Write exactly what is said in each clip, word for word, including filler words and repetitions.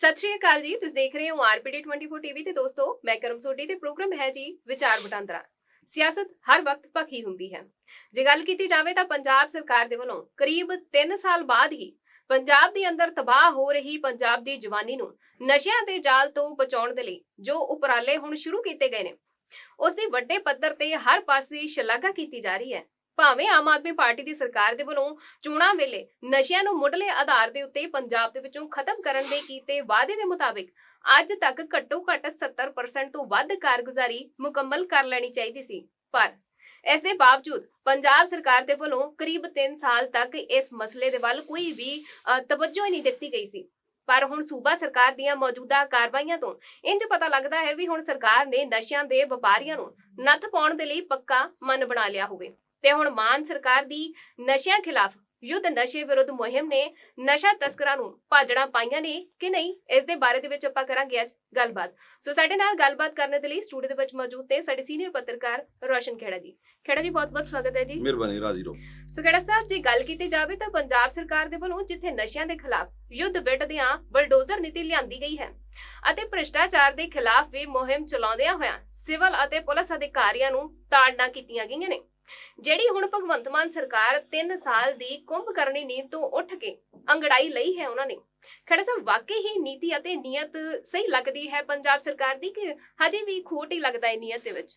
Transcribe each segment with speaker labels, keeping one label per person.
Speaker 1: ਸਤਿ ਸ਼੍ਰੀ ਅਕਾਲ ਜੀ। ਤੁਸੀਂ ਦੇਖ ਰਹੇ ਹੋ ਆਰਪੀਡੀ ਚੌਬੀ ਟੀਵੀ ਤੇ ਦੋਸਤੋ ਮੈਂ ਕਰਮ ਸੋਢੀ ਤੇ ਪ੍ਰੋਗਰਾਮ ਹੈ ਜੀ ਵਿਚਾਰ ਵਟਾਂਦਰਾ। ਸਿਆਸਤ ਹਰ ਵਕਤ ਭਖੀ ਹੁੰਦੀ ਹੈ। ਜੇ ਗੱਲ ਕੀਤੀ ਜਾਵੇ ਤਾਂ ਪੰਜਾਬ ਸਰਕਾਰ ਦੇ ਵੱਲੋਂ ਕਰੀਬ ਤਿੰਨ ਸਾਲ ਬਾਅਦ ਹੀ ਪੰਜਾਬ ਦੇ ਅੰਦਰ ਤਬਾਹ ਹੋ ਰਹੀ ਪੰਜਾਬ ਦੀ ਜਵਾਨੀ ਨੂੰ ਨਸ਼ਿਆਂ ਦੇ ਜਾਲ ਤੋਂ ਬਚਾਉਣ ਦੇ ਲਈ ਜੋ ਉਪਰਾਲੇ ਹੁਣ ਸ਼ੁਰੂ ਕੀਤੇ ਗਏ ਨੇ ਉਸ ਦੀ ਵੱਡੇ ਪੱਧਰ ਤੇ ਹਰ ਪਾਸੇ ਸ਼ਲਾਘਾ ਕੀਤੀ ਜਾ ਰਹੀ ਹੈ। ਭਾਵੇਂ ਆਮ ਆਦਮੀ ਪਾਰਟੀ ਦੀ ਸਰਕਾਰ ਦੇ ਵੱਲੋਂ ਚੋਣਾਂ ਵੇਲੇ ਨਸ਼ਿਆਂ ਨੂੰ ਮੁੱਢਲੇ ਆਧਾਰ ਦੇ ਉੱਤੇ ਪੰਜਾਬ ਦੇ ਵਿੱਚੋਂ ਖਤਮ ਕਰਨ ਦੇ ਕੀਤੇ ਵਾਅਦੇ ਦੇ ਮੁਤਾਬਿਕ ਅੱਜ ਤੱਕ ਘੱਟੋ ਘੱਟ ਸੱਤਰ ਪਰਸੈਂਟ ਤੋਂ ਵੱਧ ਕਾਰਗੁਜ਼ਾਰੀ ਮੁਕੰਮਲ ਕਰ ਲੈਣੀ ਚਾਹੀਦੀ ਸੀ, ਪਰ ਇਸ ਦੇ ਬਾਵਜੂਦ ਪੰਜਾਬ ਸਰਕਾਰ ਦੇ ਵੱਲੋਂ ਕਰੀਬ ਤਿੰਨ ਸਾਲ ਤੱਕ ਇਸ ਮਸਲੇ ਦੇ ਵੱਲ ਕੋਈ ਵੀ ਤਵੱਜੋ ਹੀ ਨਹੀਂ ਦਿੱਤੀ ਗਈ ਸੀ। ਪਰ ਹੁਣ ਸੂਬਾ ਸਰਕਾਰ ਦੀਆਂ ਮੌਜੂਦਾ ਕਾਰਵਾਈਆਂ ਤੋਂ ਇੰਜ ਪਤਾ ਲੱਗਦਾ ਹੈ ਵੀ ਹੁਣ ਸਰਕਾਰ ਨੇ ਨਸ਼ਿਆਂ ਦੇ ਵਪਾਰੀਆਂ ਨੂੰ ਨੱਥ ਪਾਉਣ ਦੇ ਲਈ ਪੱਕਾ ਮਨ ਬਣਾ ਲਿਆ ਹੋਵੇ ਤੇ ਹੁਣ ਮਾਨ ਸਰਕਾਰ ਦੀ ਨਸ਼ਿਆਂ ਖਿਲਾਫ ਯੁੱਧ ਨਸ਼ੇ ਵਿਰੁੱਧ ਮੁਹਿੰਮ ਨੇ ਨਸ਼ਾ ਤਸਕਰਾਂ ਨੂੰ ਭਾਜੜਾਂ ਪਾਈਆਂ ਨੇ ਕਿ ਨਹੀਂ, ਇਸ ਦੇ ਬਾਰੇ ਦੇ ਵਿੱਚ ਆਪਾਂ ਕਰਾਂਗੇ ਅੱਜ ਗੱਲਬਾਤ। ਸੋ ਸਾਡੇ ਨਾਲ ਗੱਲਬਾਤ ਕਰਨ ਦੇ ਲਈ ਸਟੂਡੀਓ ਦੇ ਵਿੱਚ ਮੌਜੂਦ ਤੇ ਸਾਡੇ ਸੀਨੀਅਰ ਪੱਤਰਕਾਰ ਰੋਸ਼ਨ ਖੇੜਾ ਜੀ। ਖੇੜਾ ਜੀ ਬਹੁਤ ਬਹੁਤ ਸਵਾਗਤ ਹੈ ਜੀ।
Speaker 2: ਮਿਹਰਬਾਨੀ, ਰਾਜੀ ਰਹੋ।
Speaker 1: ਸੋ ਖੇੜਾ ਸਾਹਿਬ ਜੀ, ਗੱਲ ਕੀਤੀ ਜਾਵੇ ਤਾਂ ਪੰਜਾਬ ਸਰਕਾਰ ਦੇ ਵੱਲੋਂ ਜਿੱਥੇ ਨਸ਼ਿਆਂ ਦੇ ਖਿਲਾਫ ਯੁੱਧ ਵਿੱਢਦਿਆਂ ਬਲਡੋਜ਼ਰ ਨੀਤੀ ਲਿਆਂਦੀ ਗਈ ਹੈ ਅਤੇ ਭ੍ਰਿਸ਼ਟਾਚਾਰ ਦੇ ਖਿਲਾਫ ਵੀ ਮੁਹਿੰਮ ਚਲਾਉਂਦਿਆਂ ਹੋਇਆਂ ਸਿਵਲ ਅਤੇ ਪੁਲਿਸ ਅਧਿਕਾਰੀਆਂ ਨੂੰ ਤਾੜਨਾ ਕੀਤੀਆਂ ਗਈਆਂ ਨੇ, ਜਿਹੜੀ ਹੁਣ ਭਗਵੰਤ ਮਾਨ ਸਰਕਾਰ ਤਿੰਨ ਸਾਲ ਦੀ ਕੁੰਭ ਕਰਨੀ ਨੀਂਦ ਤੋਂ ਉੱਠ ਕੇ ਅੰਗੜਾਈ ਲਈ ਹੈ ਉਹਨਾਂ ਨੇ। ਖੜਾ ਸਾਹਿਬ, ਵਾਕਈ ਹੀ ਨੀਤੀ ਅਤੇ ਨੀਅਤ ਸਹੀ ਲੱਗਦੀ ਹੈ ਪੰਜਾਬ ਸਰਕਾਰ ਦੀ ਕਿ ਹਜੇ ਵੀ ਖੋਟ ਹੀ ਲੱਗਦਾ ਹੈ ਨੀਅਤ ਦੇ ਵਿੱਚ?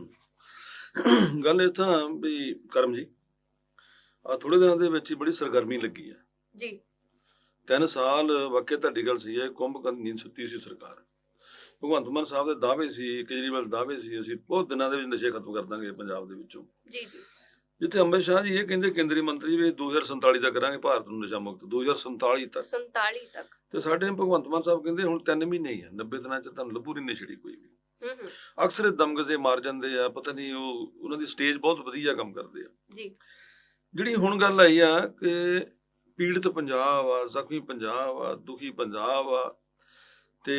Speaker 2: ਹੂੰ ਗੱਲ ਇਹ ਤਾਂ ਵੀ ਕਰਮ ਜੀ ਆ ਥੋੜੇ ਦਿਨਾਂ ਦੇ ਵਿੱਚ ਹੀ ਬੜੀ ਸਰਗਰਮੀ ਲੱਗੀ ਹੈ
Speaker 1: ਜੀ।
Speaker 2: ਤਿੰਨ ਸਾਲ ਵਾਕਿਆ ਤੁਹਾਡੀ ਗੱਲ ਸਹੀ ਹੈ, ਕੁੰਭ ਕਰਨ ਨੀਂਦ ਸੁੱਤੀ ਸੀ ਸਰਕਾਰ। ਭਗਵੰਤ ਮਾਨ ਸਾਹਿਬ ਦੇ ਦਾਅਵੇ ਸੀ, ਕੇਜਰੀਵਾਲ ਦਾਅਵੇ ਸੀ ਅਸੀਂ ਬਹੁਤ ਦਿਨਾਂ ਦੇ ਵਿੱਚ ਨਸ਼ੇ ਖਤਮ ਕਰ ਦਾਂਗੇ ਪੰਜਾਬ ਦੇ ਵਿੱਚੋਂ। ਜੀ ਜੀ। ਜਿੱਥੇ ਅੰਮ੍ਰਿਤ ਸ਼ਾਹ ਜੀ ਇਹ ਕਹਿੰਦੇ ਕੇਂਦਰੀ ਮੰਤਰੀ ਵੀ ਦੋ ਹਜ਼ਾਰ ਸੰਤਾਲੀ ਤੱਕ ਕਰਾਂਗੇ ਭਾਰਤ ਨੂੰ ਨਸ਼ਾ ਮੁਕਤ, ਦੋ ਹਜ਼ਾਰ ਸੰਤਾਲੀ ਤੱਕ
Speaker 1: ਸੰਤਾਲੀ ਤੱਕ
Speaker 2: ਤੇ ਸਾਡੇ ਭਗਵੰਤ ਮਾਨ ਸਾਹਿਬ ਕਹਿੰਦੇ ਹੁਣ ਤਿੰਨ ਮਹੀਨੇ ਹੀ ਆ, ਨੱਬੇ ਦਿਨਾਂ ਚ ਤੁਹਾਨੂੰ ਲੱਭੂ ਨਹੀਂ ਨਸ਼ੇੜੀ ਕੋਈ ਵੀ। ਅਕਸਰ ਦਮਗਜ਼ੇ ਮਾਰ ਜਾਂਦੇ ਆ, ਪਤਾ ਨਹੀਂ ਉਹ ਉਹਨਾਂ ਦੀ ਸਟੇਜ ਬਹੁਤ ਵਧੀਆ ਕੰਮ ਕਰਦੇ ਆ ਜੀ। ਜਿਹੜੀ ਹੁਣ ਗੱਲ ਆਈ ਆ ਕਿ ਪੀੜਤ ਪੰਜਾਬ ਆ, ਜ਼ਖਮੀ ਪੰਜਾਬ ਆ, ਦੁਖੀ ਪੰਜਾਬ ਆ ਤੇ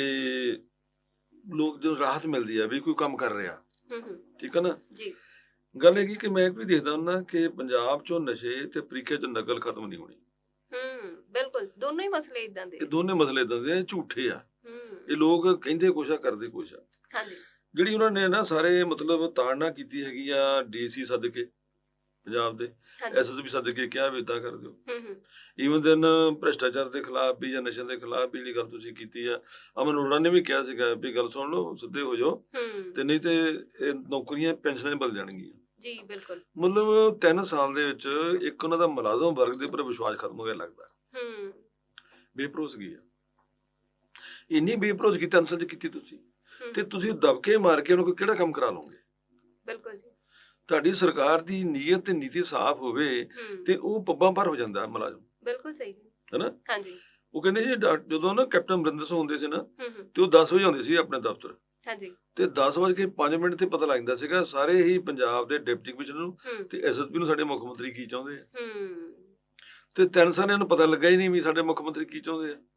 Speaker 2: ਲੋਕ ਜਦੋਂ ਰਾਹਤ ਮਿਲਦੀ ਆ ਵੀ ਕੋਈ ਕੰਮ ਕਰ ਰਿਹਾ, ਠੀਕ ਹੈ ਨਾ ਜੀ। ਗੱਲ ਇਹ ਕਿ ਮੈਂ ਵੀ ਦੇਖਦਾ ਹੁੰਦਾ ਕਿ ਪੰਜਾਬ ਚੋਂ ਨਸ਼ੇ ਤੇ ਪ੍ਰੀਖਿਆ ਚੋਂ ਨਕਲ ਖਤਮ ਨਹੀਂ ਹੋਣੀ।
Speaker 1: ਹੂੰ ਬਿਲਕੁਲ, ਦੋਨੋਂ ਹੀ ਮਸਲੇ ਇਦਾਂ ਦੇ,
Speaker 2: ਇਹ ਦੋਨੇ ਮਸਲੇ ਇਦਾਂ ਦੇ ਝੂਠੇ ਆ। ਇਹ ਲੋਕ ਕਹਿੰਦੇ ਕੁਛ ਆ ਕਰਦੇ ਕੁਛ ਆ। ਹਾਂਜੀ। ਜਿਹੜੀ ਉਹਨਾਂ ਨੇ ਨਾ ਸਾਰੇ ਮਤਲਬ ਤਾੜਨਾ ਕੀਤੀ ਹੈਗੀ ਆ, ਡੀਸੀ ਸੱਦ ਕੇ ਪੰਜਾਬ ਦੇ, ਐਸਐਸਪੀ ਸੱਦ ਕੇ ਕਿਹਾ ਵੀ ਇਦਾਂ ਕਰ ਦਿਓ। ਈਵਨ ਦਿਨ ਭ੍ਰਿਸ਼ਟਾਚਾਰ ਦੇ ਖਿਲਾਫ ਵੀ ਜਾਂ ਨਸ਼ਿਆਂ ਦੇ ਖਿਲਾਫ ਵੀ ਜਿਹੜੀ ਗੱਲ ਤੁਸੀਂ ਕੀਤੀ ਆ, ਅਮਨ ਅਰੋੜਾ ਨੇ ਵੀ ਕਿਹਾ ਸੀਗਾ ਵੀ ਗੱਲ ਸੁਣ ਲਓ, ਸਿੱਧੇ ਹੋ ਜਾਓ ਤੇ ਨਹੀਂ ਤੇ ਇਹ ਨੌਕਰੀਆਂ ਪੈਨਸ਼ਨਾਂ ਬਦਲ ਜਾਣਗੀਆਂ ਜੀ। ਬਿਲਕੁਲ, ਮਤਲਬ ਤਿੰਨ ਸਾਲ ਦੇ ਵਿੱਚ ਇੱਕ ਉਹਨਾਂ ਦਾ ਮੁਲਾਜ਼ਮ ਵਰਗ ਦੇ ਉੱਪਰ ਵਿਸ਼ਵਾਸ ਖਤਮ ਹੋ ਗਿਆ ਲੱਗਦਾ। ਹੂੰ ਬੇਭਰੋਸਗੀ ਆ, ਇੰਨੀ ਬੇਭਰੋਸਗੀ ਤਿੰਨ ਸਾਲ ਚ ਕੀਤੀ ਤੁਸੀਂ ਤੇ ਤੁਸੀਂ ਦਬਕੇ ਮਾਰ ਕੇ ਉਹਨਾਂ ਕੋਲ ਕਿਹੜਾ ਕੰਮ ਕਰਾ ਲਓਗੇ? ਬਿਲਕੁਲ ਜੀ। ਤੁਹਾਡੀ ਸਰਕਾਰ ਦੀ ਨੀਅਤ ਤੇ ਨੀਤੀ ਸਾਫ਼ ਹੋਵੇ ਤੇ ਉਹ ਪੱਬਾਂ ਭਰ ਹੋ ਜਾਂਦਾ ਮੁਲਾਜ਼ਮ। ਬਿਲਕੁਲ ਸਹੀ ਜੀ, ਹੈਨਾ? ਹਾਂਜੀ। ਉਹ ਕਹਿੰਦੇ ਜੀ ਜਦੋਂ ਨਾ ਕੈਪਟਨ ਅਮਰਿੰਦਰ ਸਿੰਘ ਹੁੰਦੇ ਸੀ ਨਾ ਤੇ ਉਹ ਦਸ ਵਜੇ ਆਉਂਦੇ ਸੀ ਆਪਣੇ ਦਫ਼ਤਰ। ਹਾਂਜੀ। ਤੇ ਦਸ ਵਜੇ ਕੇ ਪੰਜ ਮਿੰਟ ਤੇ ਪਤਾ ਲੱਗ ਜਾਂਦਾ ਸੀਗਾ ਸਾਰੇ ਹੀ ਪੰਜਾਬ ਦੇ ਡਿਪਟੀ ਕਮਿਸ਼ਨਰ ਨੂੰ ਤੇ ਐਸਐਸਪੀ ਨੂੰ ਸਾਡੇ ਮੁੱਖ ਮੰਤਰੀ ਕੀ ਚਾਹੁੰਦੇ ਆ। ਹੂੰ ਤੇ ਤਿੰਨ ਸਾਲਾਂ ਨੂੰ ਪਤਾ ਲੱਗਾ ਹੀ ਨਹੀਂ ਵੀ ਸਾਡੇ ਮੁੱਖ ਮੰਤਰੀ ਕੀ ਚਾਹੁੰਦੇ ਆ।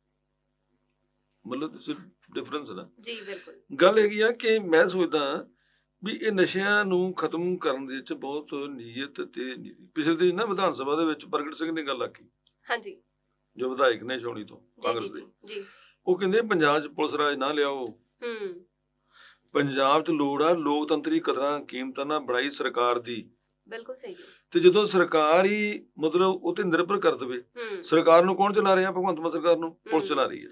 Speaker 2: ਮਤਲਬ ਤੁਸੀਂ ਡਿਫਰੈਂਸ ਹੈ ਨਾ ਜੀ। ਬਿਲਕੁਲ। ਗੱਲ ਹੈਗੀ ਆ ਕਿ ਮੈਂ ਸੋਚਦਾ ਵੀ ਇਹ ਨਸ਼ਿਆਂ ਨੂੰ ਖਤਮ ਕਰਨ ਦੇ ਵਿੱਚ ਬਹੁਤ ਨੀਅਤ ਤੇ ਨੀਤੀ। ਪਿਛਲੇ ਦਿਨ ਨਾ ਵਿਧਾਨ ਸਭਾ ਦੇ ਵਿੱਚ ਪ੍ਰਗਟ ਸਿੰਘ ਨੇ ਗੱਲ ਆਖੀ, ਹਾਂਜੀ, ਜੋ ਵਿਧਾਇਕ ਨੇ ਛਾਉਣੀ ਤੋਂ ਕਾਂਗਰਸ ਦੇ, ਉਹ ਕਹਿੰਦੇ ਪੰਜਾਬ 'ਚ ਪੁਲਿਸ ਰਾਜ ਨਾ ਲਿਆਓ, ਪੰਜਾਬ 'ਚ ਲੋੜ ਆ ਲੋਕਤੰਤਰੀ ਕਦਰਾਂ ਕੀਮਤਾਂ ਨਾਲ ਬਣਾਈ ਸਰਕਾਰ ਦੀ। ਬਿਲਕੁਲ ਸਹੀ। ਤੇ ਜਦੋਂ ਸਰਕਾਰ ਹੀ ਮਤਲਬ ਉਹ ਤੇ ਨਿਰਭਰ ਕਰ ਦੇਵੇ, ਸਰਕਾਰ ਨੂੰ ਕੌਣ ਚਲਾ ਰਿਹਾ? ਭਗਵੰਤ ਮਾਨ ਸਰਕਾਰ ਨੂੰ ਪੁਲਿਸ ਚਲਾ ਰਹੀ ਹੈ।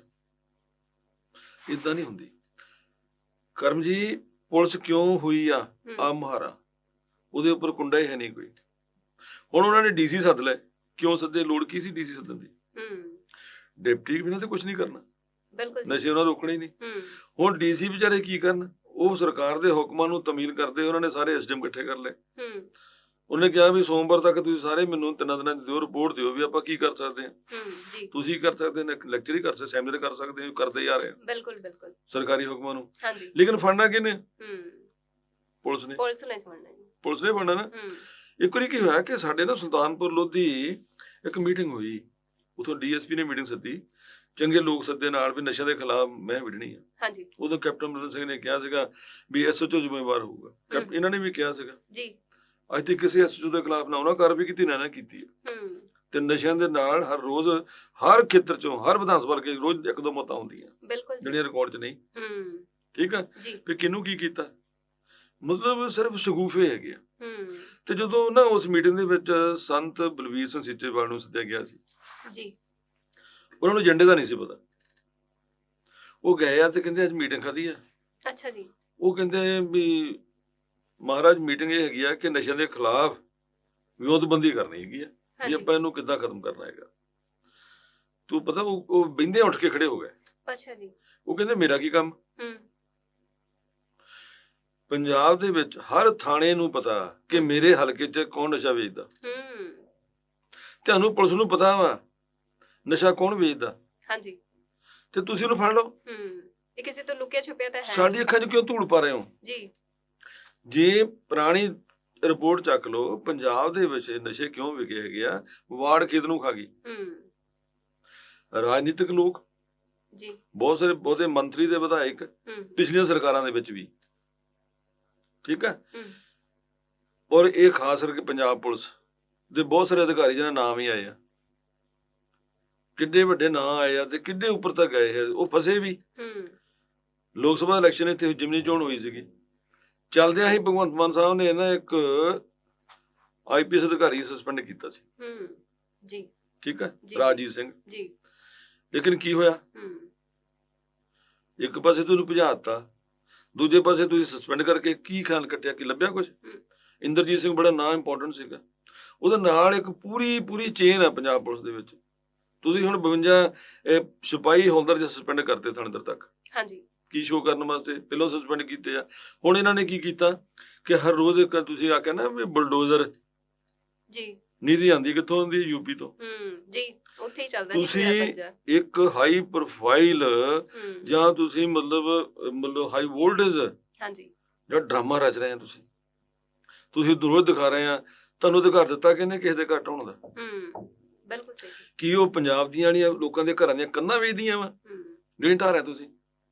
Speaker 2: ਏਦਾਂ ਨਹੀਂ ਹੁੰਦੀ ਕਰਮ ਜੀ। ਪੁਲਿਸ ਕਿਉਂ ਹੋਈ ਆ ਆ ਮੁਹਾਰਾ? ਉਹਦੇ ਉੱਪਰ ਕੁੰਡਾ ਹੀ ਹੈ ਨਹੀਂ ਕੋਈ। ਹੁਣ ਉਹਨਾਂ ਨੇ ਡੀਸੀ ਸੱਦ ਲੈ, ਕਿਉਂ ਸੱਦੇ? ਲੋੜ ਕੀ ਸੀ ਡੀਸੀ ਸੱਦਣ ਦੀ? ਡਿਪਟੀ ਬਿਨਾਂ ਤੇ ਕੁਛ ਨਹੀਂ ਕਰਨਾ, ਨਸ਼ੇ ਉਹਨਾਂ ਰੋਕਣੇ ਹੀ ਨਹੀਂ। ਹੁਣ ਡੀਸੀ ਵਿਚਾਰੇ ਕੀ ਕਰਨ? ਉਹ ਸਰਕਾਰ ਦੇ ਹੁਕਮਾਂ ਨੂੰ ਤਮੀਲ ਕਰਦੇ। ਉਹਨਾਂ ਨੇ ਸਾਰੇ ਐਸਡੀਐਮ ਇਕੱਠੇ ਕਰ ਲਏ। ਉਹਨੇ ਕਿਹਾ ਵੀ ਸੋਮਵਾਰ ਤੱਕ ਤੁਸੀਂ ਸਾਰੇ ਮੈਨੂੰ ਤਿੰਨਾਂ ਦਿਨਾਂ ਦੀ ਦਿਓ ਰਿਪੋਰਟ ਦਿਓ ਵੀ ਆਪਾਂ ਕੀ ਕਰ ਸਕਦੇ ਹਾਂ। ਤੁਸੀਂ ਕਰ ਸਕਦੇ ਨੇ, ਲੈਕਚਰ ਹੀ ਕਰ ਸਕਦੇ, ਸੈਮੀਨਾਰ ਕਰ ਸਕਦੇ ਹੋ, ਕਰਦੇ ਜਾ ਰਹੇ। ਬਿਲਕੁਲ ਬਿਲਕੁਲ ਸਰਕਾਰੀ ਹੁਕਮਾਂ ਨੂੰ। ਲੇਕਿਨ ਫੜਨਾ ਕਿਹਨੇ? ਪੁਲਿਸ ਨੇ। ਪੁਲਿਸ ਨੇ ਫੜਨਾ, ਪੁਲਿਸ ਨੇ ਫੜਨਾ ਨਾ। ਇੱਕ ਵਾਰੀ ਕੀ ਹੋਇਆ ਕਿ ਸਾਡੇ ਨਾ ਸੁਲਤਾਨਪੁਰ ਲੋਧੀ ਇੱਕ ਮੀਟਿੰਗ ਹੋਈ, ਉਥੋਂ ਡੀਐਸਪੀ ਨੇ ਮੀਟਿੰਗ ਸੱਦੀ, ਚੰਗੇ ਲੋਕ ਸੱਦੇ ਨਾਲ ਵੀ ਨਸ਼ਿਆਂ ਦੇ ਖਿਲਾਫ ਮੈਂ ਵਿੜਨੀ ਆ। ਹਾਂਜੀ। ਉਦੋਂ ਕੈਪਟਨ ਅਮਰਿੰਦਰ ਸਿੰਘ ਨੇ ਕਿਹਾ ਸੀਗਾ ਵੀ ਐਸਐਚਓ ਜ਼ਿੰਮੇਵਾਰ ਹੋਊਗਾ। ਇਹਨਾਂ ਨੇ ਵੀ ਕਿਹਾ ਸੀਗਾ ਜੀ। ਅੱਜ ਤੱਕ ਕਿਸੇ ਐਸਐਚਓ ਦੇ ਖਿਲਾਫ ਨਾ ਉਹਨਾਂ ਕਾਰਵਾਈ ਕੀਤੀ ਨਾ ਨਾ ਕੀਤੀ ਹੈ। ਤੇ ਨਸ਼ਿਆਂ ਦੇ ਨਾਲ ਹਰ ਰੋਜ਼ ਹਰ ਖੇਤਰ ਚੋਂ ਹਰ ਵਿਧਾਨ ਸਭਾ ਕੇ ਰੋਜ਼ ਇੱਕ ਦੋ ਮੌਤਾਂ ਹੁੰਦੀਆਂ
Speaker 1: ਬਿਲਕੁਲ
Speaker 2: ਜਿਹੜੀਆਂ ਰਿਕਾਰਡ 'ਚ ਨਹੀਂ।
Speaker 1: ਹੂੰ
Speaker 2: ਠੀਕ ਆ
Speaker 1: ਜੀ
Speaker 2: ਵੀ ਕਿਹਨੂੰ ਕੀ ਕੀਤਾ, ਮਤਲਬ ਸਿਰਫ ਸ਼ਗੂਫੇ ਹੈਗੇ ਆ।
Speaker 1: ਹੂੰ
Speaker 2: ਤੇ ਜਦੋਂ ਨਾ ਉਸ ਮੀਟਿੰਗ ਦੇ ਵਿੱਚ ਸੰਤ ਬਲਵੀਰ ਸਿੰਘ ਸੀਚੇਵਾਲ ਨੂੰ ਸੱਦਿਆ ਗਿਆ ਸੀ,
Speaker 1: ਜੀ
Speaker 2: ਉਹਨਾਂ ਨੂੰ ਏਜੰਡੇ ਦਾ ਨਹੀਂ ਸੀ ਪਤਾ। ਉਹ ਗਏ ਆ ਤੇ ਕਹਿੰਦੇ ਅੱਜ ਮੀਟਿੰਗ ਖਾਦੀ ਆ।
Speaker 1: ਅੱਛਾ ਜੀ।
Speaker 2: ਉਹ ਕਹਿੰਦੇ ਵੀ ਮਹਾਰਾਜ ਮੀਟਿੰਗ ਇਹ ਹੈਗੀ ਆ ਕਿ ਨਸ਼ਿਆਂ ਦੇ ਖਿਲਾਫ ਵਿਉਂਤਬੰਦੀ ਕਰਨੀ ਹੈਗੀ ਆ, ਵੀ
Speaker 1: ਹਾਂਜੀ
Speaker 2: ਆਪਾਂ ਇਹਨੂੰ ਕਿੱਦਾਂ ਖਤਮ ਕਰਨਾ ਹੈਗਾ। ਤੂੰ ਪਤਾ ਉਹ ਉਹ ਬਹਿੰਦੇ ਉੱਠ ਕੇ ਖੜੇ ਹੋ ਗਏ।
Speaker 1: ਅੱਛਾ ਜੀ।
Speaker 2: ਉਹ ਕਹਿੰਦੇ ਮੇਰਾ ਕੀ ਕੰਮ।
Speaker 1: ਹੂੰ
Speaker 2: ਪੰਜਾਬ ਦੇ ਵਿੱਚ ਹਰ ਥਾਣੇ ਨੂੰ ਪਤਾ ਕਿ ਮੇਰੇ ਹਲਕੇ 'ਚ ਕੌਣ ਨਸ਼ਾ ਵੇਚਦਾ।
Speaker 1: ਹੂੰ
Speaker 2: ਤੁਹਾਨੂੰ ਪੁਲਿਸ ਨੂੰ ਪਤਾ ਵਾ ਨਸ਼ਾ ਕੌਣ ਵੇਚਦਾ,
Speaker 1: ਹਾਂਜੀ
Speaker 2: ਤੇ ਤੁਸੀਂ ਉਹਨੂੰ ਫੜ ਲਓ।
Speaker 1: ਹੂੰ ਇਹ ਕਿਸੇ ਤੋਂ ਲੁਕਿਆ ਛੁਪਿਆ ਤਾਂ ਹੈ
Speaker 2: ਸਾਡੀ ਅੱਖਾਂ 'ਚ ਕਿਉਂ ਧੂੜ ਪਾ ਰਹੇ ਹੋ?
Speaker 1: ਜੀ।
Speaker 2: ਜੇ ਪੁਰਾਣੀ ਰਿਪੋਰਟ ਚੱਕ ਲਓ, ਪੰਜਾਬ ਦੇ ਵਿੱਚ ਨਸ਼ੇ ਕਿਉਂ ਵਿਕੇ ਹੈਗੇ ਆ, ਵਾੜ ਖੇਤ ਨੂੰ ਖਾ ਗਈ।
Speaker 1: ਹੂੰ
Speaker 2: ਰਾਜਨੀਤਿਕ ਲੋਕ
Speaker 1: ਜੀ
Speaker 2: ਬਹੁਤ ਸਾਰੇ ਬਹੁਤੇ ਮੰਤਰੀ ਦੇ ਵਿਧਾਇਕ
Speaker 1: ਹੂੰ
Speaker 2: ਪਿਛਲੀਆਂ ਸਰਕਾਰਾਂ ਦੇ ਵਿੱਚ ਵੀ, ਠੀਕ ਆ।
Speaker 1: ਹੂੰ
Speaker 2: ਔਰ ਇਹ ਖਾਸ ਕਰਕੇ ਪੰਜਾਬ ਪੁਲਿਸ ਦੇ ਬਹੁਤ ਸਾਰੇ ਅਧਿਕਾਰੀ ਜਿਹਨਾਂ ਨਾਮ ਹੀ ਆਏ ਆ, ਕਿੱਡੇ ਵੱਡੇ ਨਾਂ ਆਏ ਆ ਤੇ ਕਿੱਡੇ ਉੱਪਰ ਤੱਕ ਗਏ ਆ, ਉਹ ਫਸੇ ਵੀ।
Speaker 1: ਹੂੰ
Speaker 2: ਲੋਕ ਸਭਾ ਇਲੈਕਸ਼ਨ ਇੱਥੇ ਜਿਮਨੀ ਚੋਣ ਹੋਈ ਸੀਗੀ, ਚੱਲਦਿਆਂ ਹੀ ਭਗਵੰਤ ਮਾਨ ਸਾਹਿਬ ਨੇ ਨਾ ਇੱਕ ਆਈ ਪੀ ਐਸ ਅਧਿਕਾਰੀ ਸਸਪੈਂਡ ਕੀਤਾ ਸੀ।
Speaker 1: ਹੂੰ ਜੀ
Speaker 2: ਠੀਕ ਆ,
Speaker 1: ਜੀ,
Speaker 2: ਰਾਜੀਵ ਸਿੰਘ।
Speaker 1: ਜੀ
Speaker 2: ਲੇਕਿਨ ਕੀ ਹੋਇਆ,
Speaker 1: ਹੂੰ
Speaker 2: ਇੱਕ ਪਾਸੇ ਤੁਹਾਨੂੰ ਭਜਾਤਾ, ਦੂਜੇ ਪਾਸੇ ਤੁਸੀਂ ਸਸਪੈਂਡ ਕਰਕੇ ਕੀ ਖਿਆਲ ਕੱਟਿਆ, ਕੀ ਲੱਭਿਆ ਕੁਝ? ਇੰਦਰਜੀਤ ਸਿੰਘ ਬੜਾ ਨਾਂ ਇੰਪੋਰਟੈਂਟ ਸੀਗਾ, ਉਹਦੇ ਨਾਲ ਇੱਕ ਪੂਰੀ ਪੂਰੀ ਚੇਨ ਆ ਪੰਜਾਬ ਪੁਲਿਸ ਦੇ ਵਿੱਚ। ਤੁਸੀਂ ਹੁਣ ਬਵੰਜਾ ਇਹ ਸਿਪਾਹੀ ਹੌਲਦਾਰ ਜੇ ਸਸਪੈਂਡ ਕਰਤੇ ਥਾਣੇਦਾਰ ਤੱਕ,
Speaker 1: ਹਾਂਜੀ
Speaker 2: ਕੀ ਸ਼ੋਅ ਕਰਨ ਵਾਸਤੇ ਪਹਿਲਾਂ ਸਸਪੈਂਡ ਕੀਤੇ ਆ। ਹੁਣ ਇਹਨਾਂ ਨੇ ਕੀ ਕੀਤਾ ਕਿ ਹਰ ਰੋਜ਼ ਇੱਕ ਤੁਸੀਂ ਆਖਿਆ ਨਾ ਵੀ ਬੁਲਡੋਜ਼ਰ
Speaker 1: ਜੀ
Speaker 2: ਨੀਤੀ ਆਂਦੀ ਕਿੱਥੋਂ ਆਉਂਦੀ, ਯੂਪੀ ਤੋਂ।
Speaker 1: ਹੂੰ ਜੀ ਉੱਥੇ ਹੀ ਚੱਲਦਾ ਜੀ
Speaker 2: ਤੁਸੀਂ
Speaker 1: ਪੂਰਾ ਪੰਜਾ।
Speaker 2: ਇੱਕ ਹਾਈ ਪ੍ਰੋਫਾਈਲ
Speaker 1: ਹੂੰ
Speaker 2: ਜਾਂ ਤੁਸੀਂ ਮਤਲਬ ਮਤਲਬ ਹਾਈ ਵੋਲਟੇਜ
Speaker 1: ਹਾਂਜੀ
Speaker 2: ਜਿਹੜਾ ਡਰਾਮਾ ਰਚ ਰਹੇ ਆ, ਤੁਸੀਂ ਤੁਸੀਂ ਰੋਜ਼ ਦਿਖਾ ਰਹੇ ਆ, ਤੁਹਾਨੂੰ ਅਧਿਕਾਰ ਦਿੱਤਾ ਕਿਹਨੇ ਕਿਸੇ ਦੇ ਘੱਟ ਹੋਣ ਦਾ?
Speaker 1: ਹੂੰ ਬਿਲਕੁਲ ਸਹੀ।
Speaker 2: ਕੀ ਉਹ ਪੰਜਾਬ ਦੀਆਂ ਜਿਹੜੀਆਂ ਲੋਕਾਂ ਦੇ ਘਰਾਂ ਦੀਆਂ ਕੰਧਾਂ ਵੇਚਦੀਆਂ ਵਾ
Speaker 1: ਹੂੰ
Speaker 2: ਜਿਹੜੀ ਢਾਹ ਰਿਹਾ ਤੁਸੀਂ?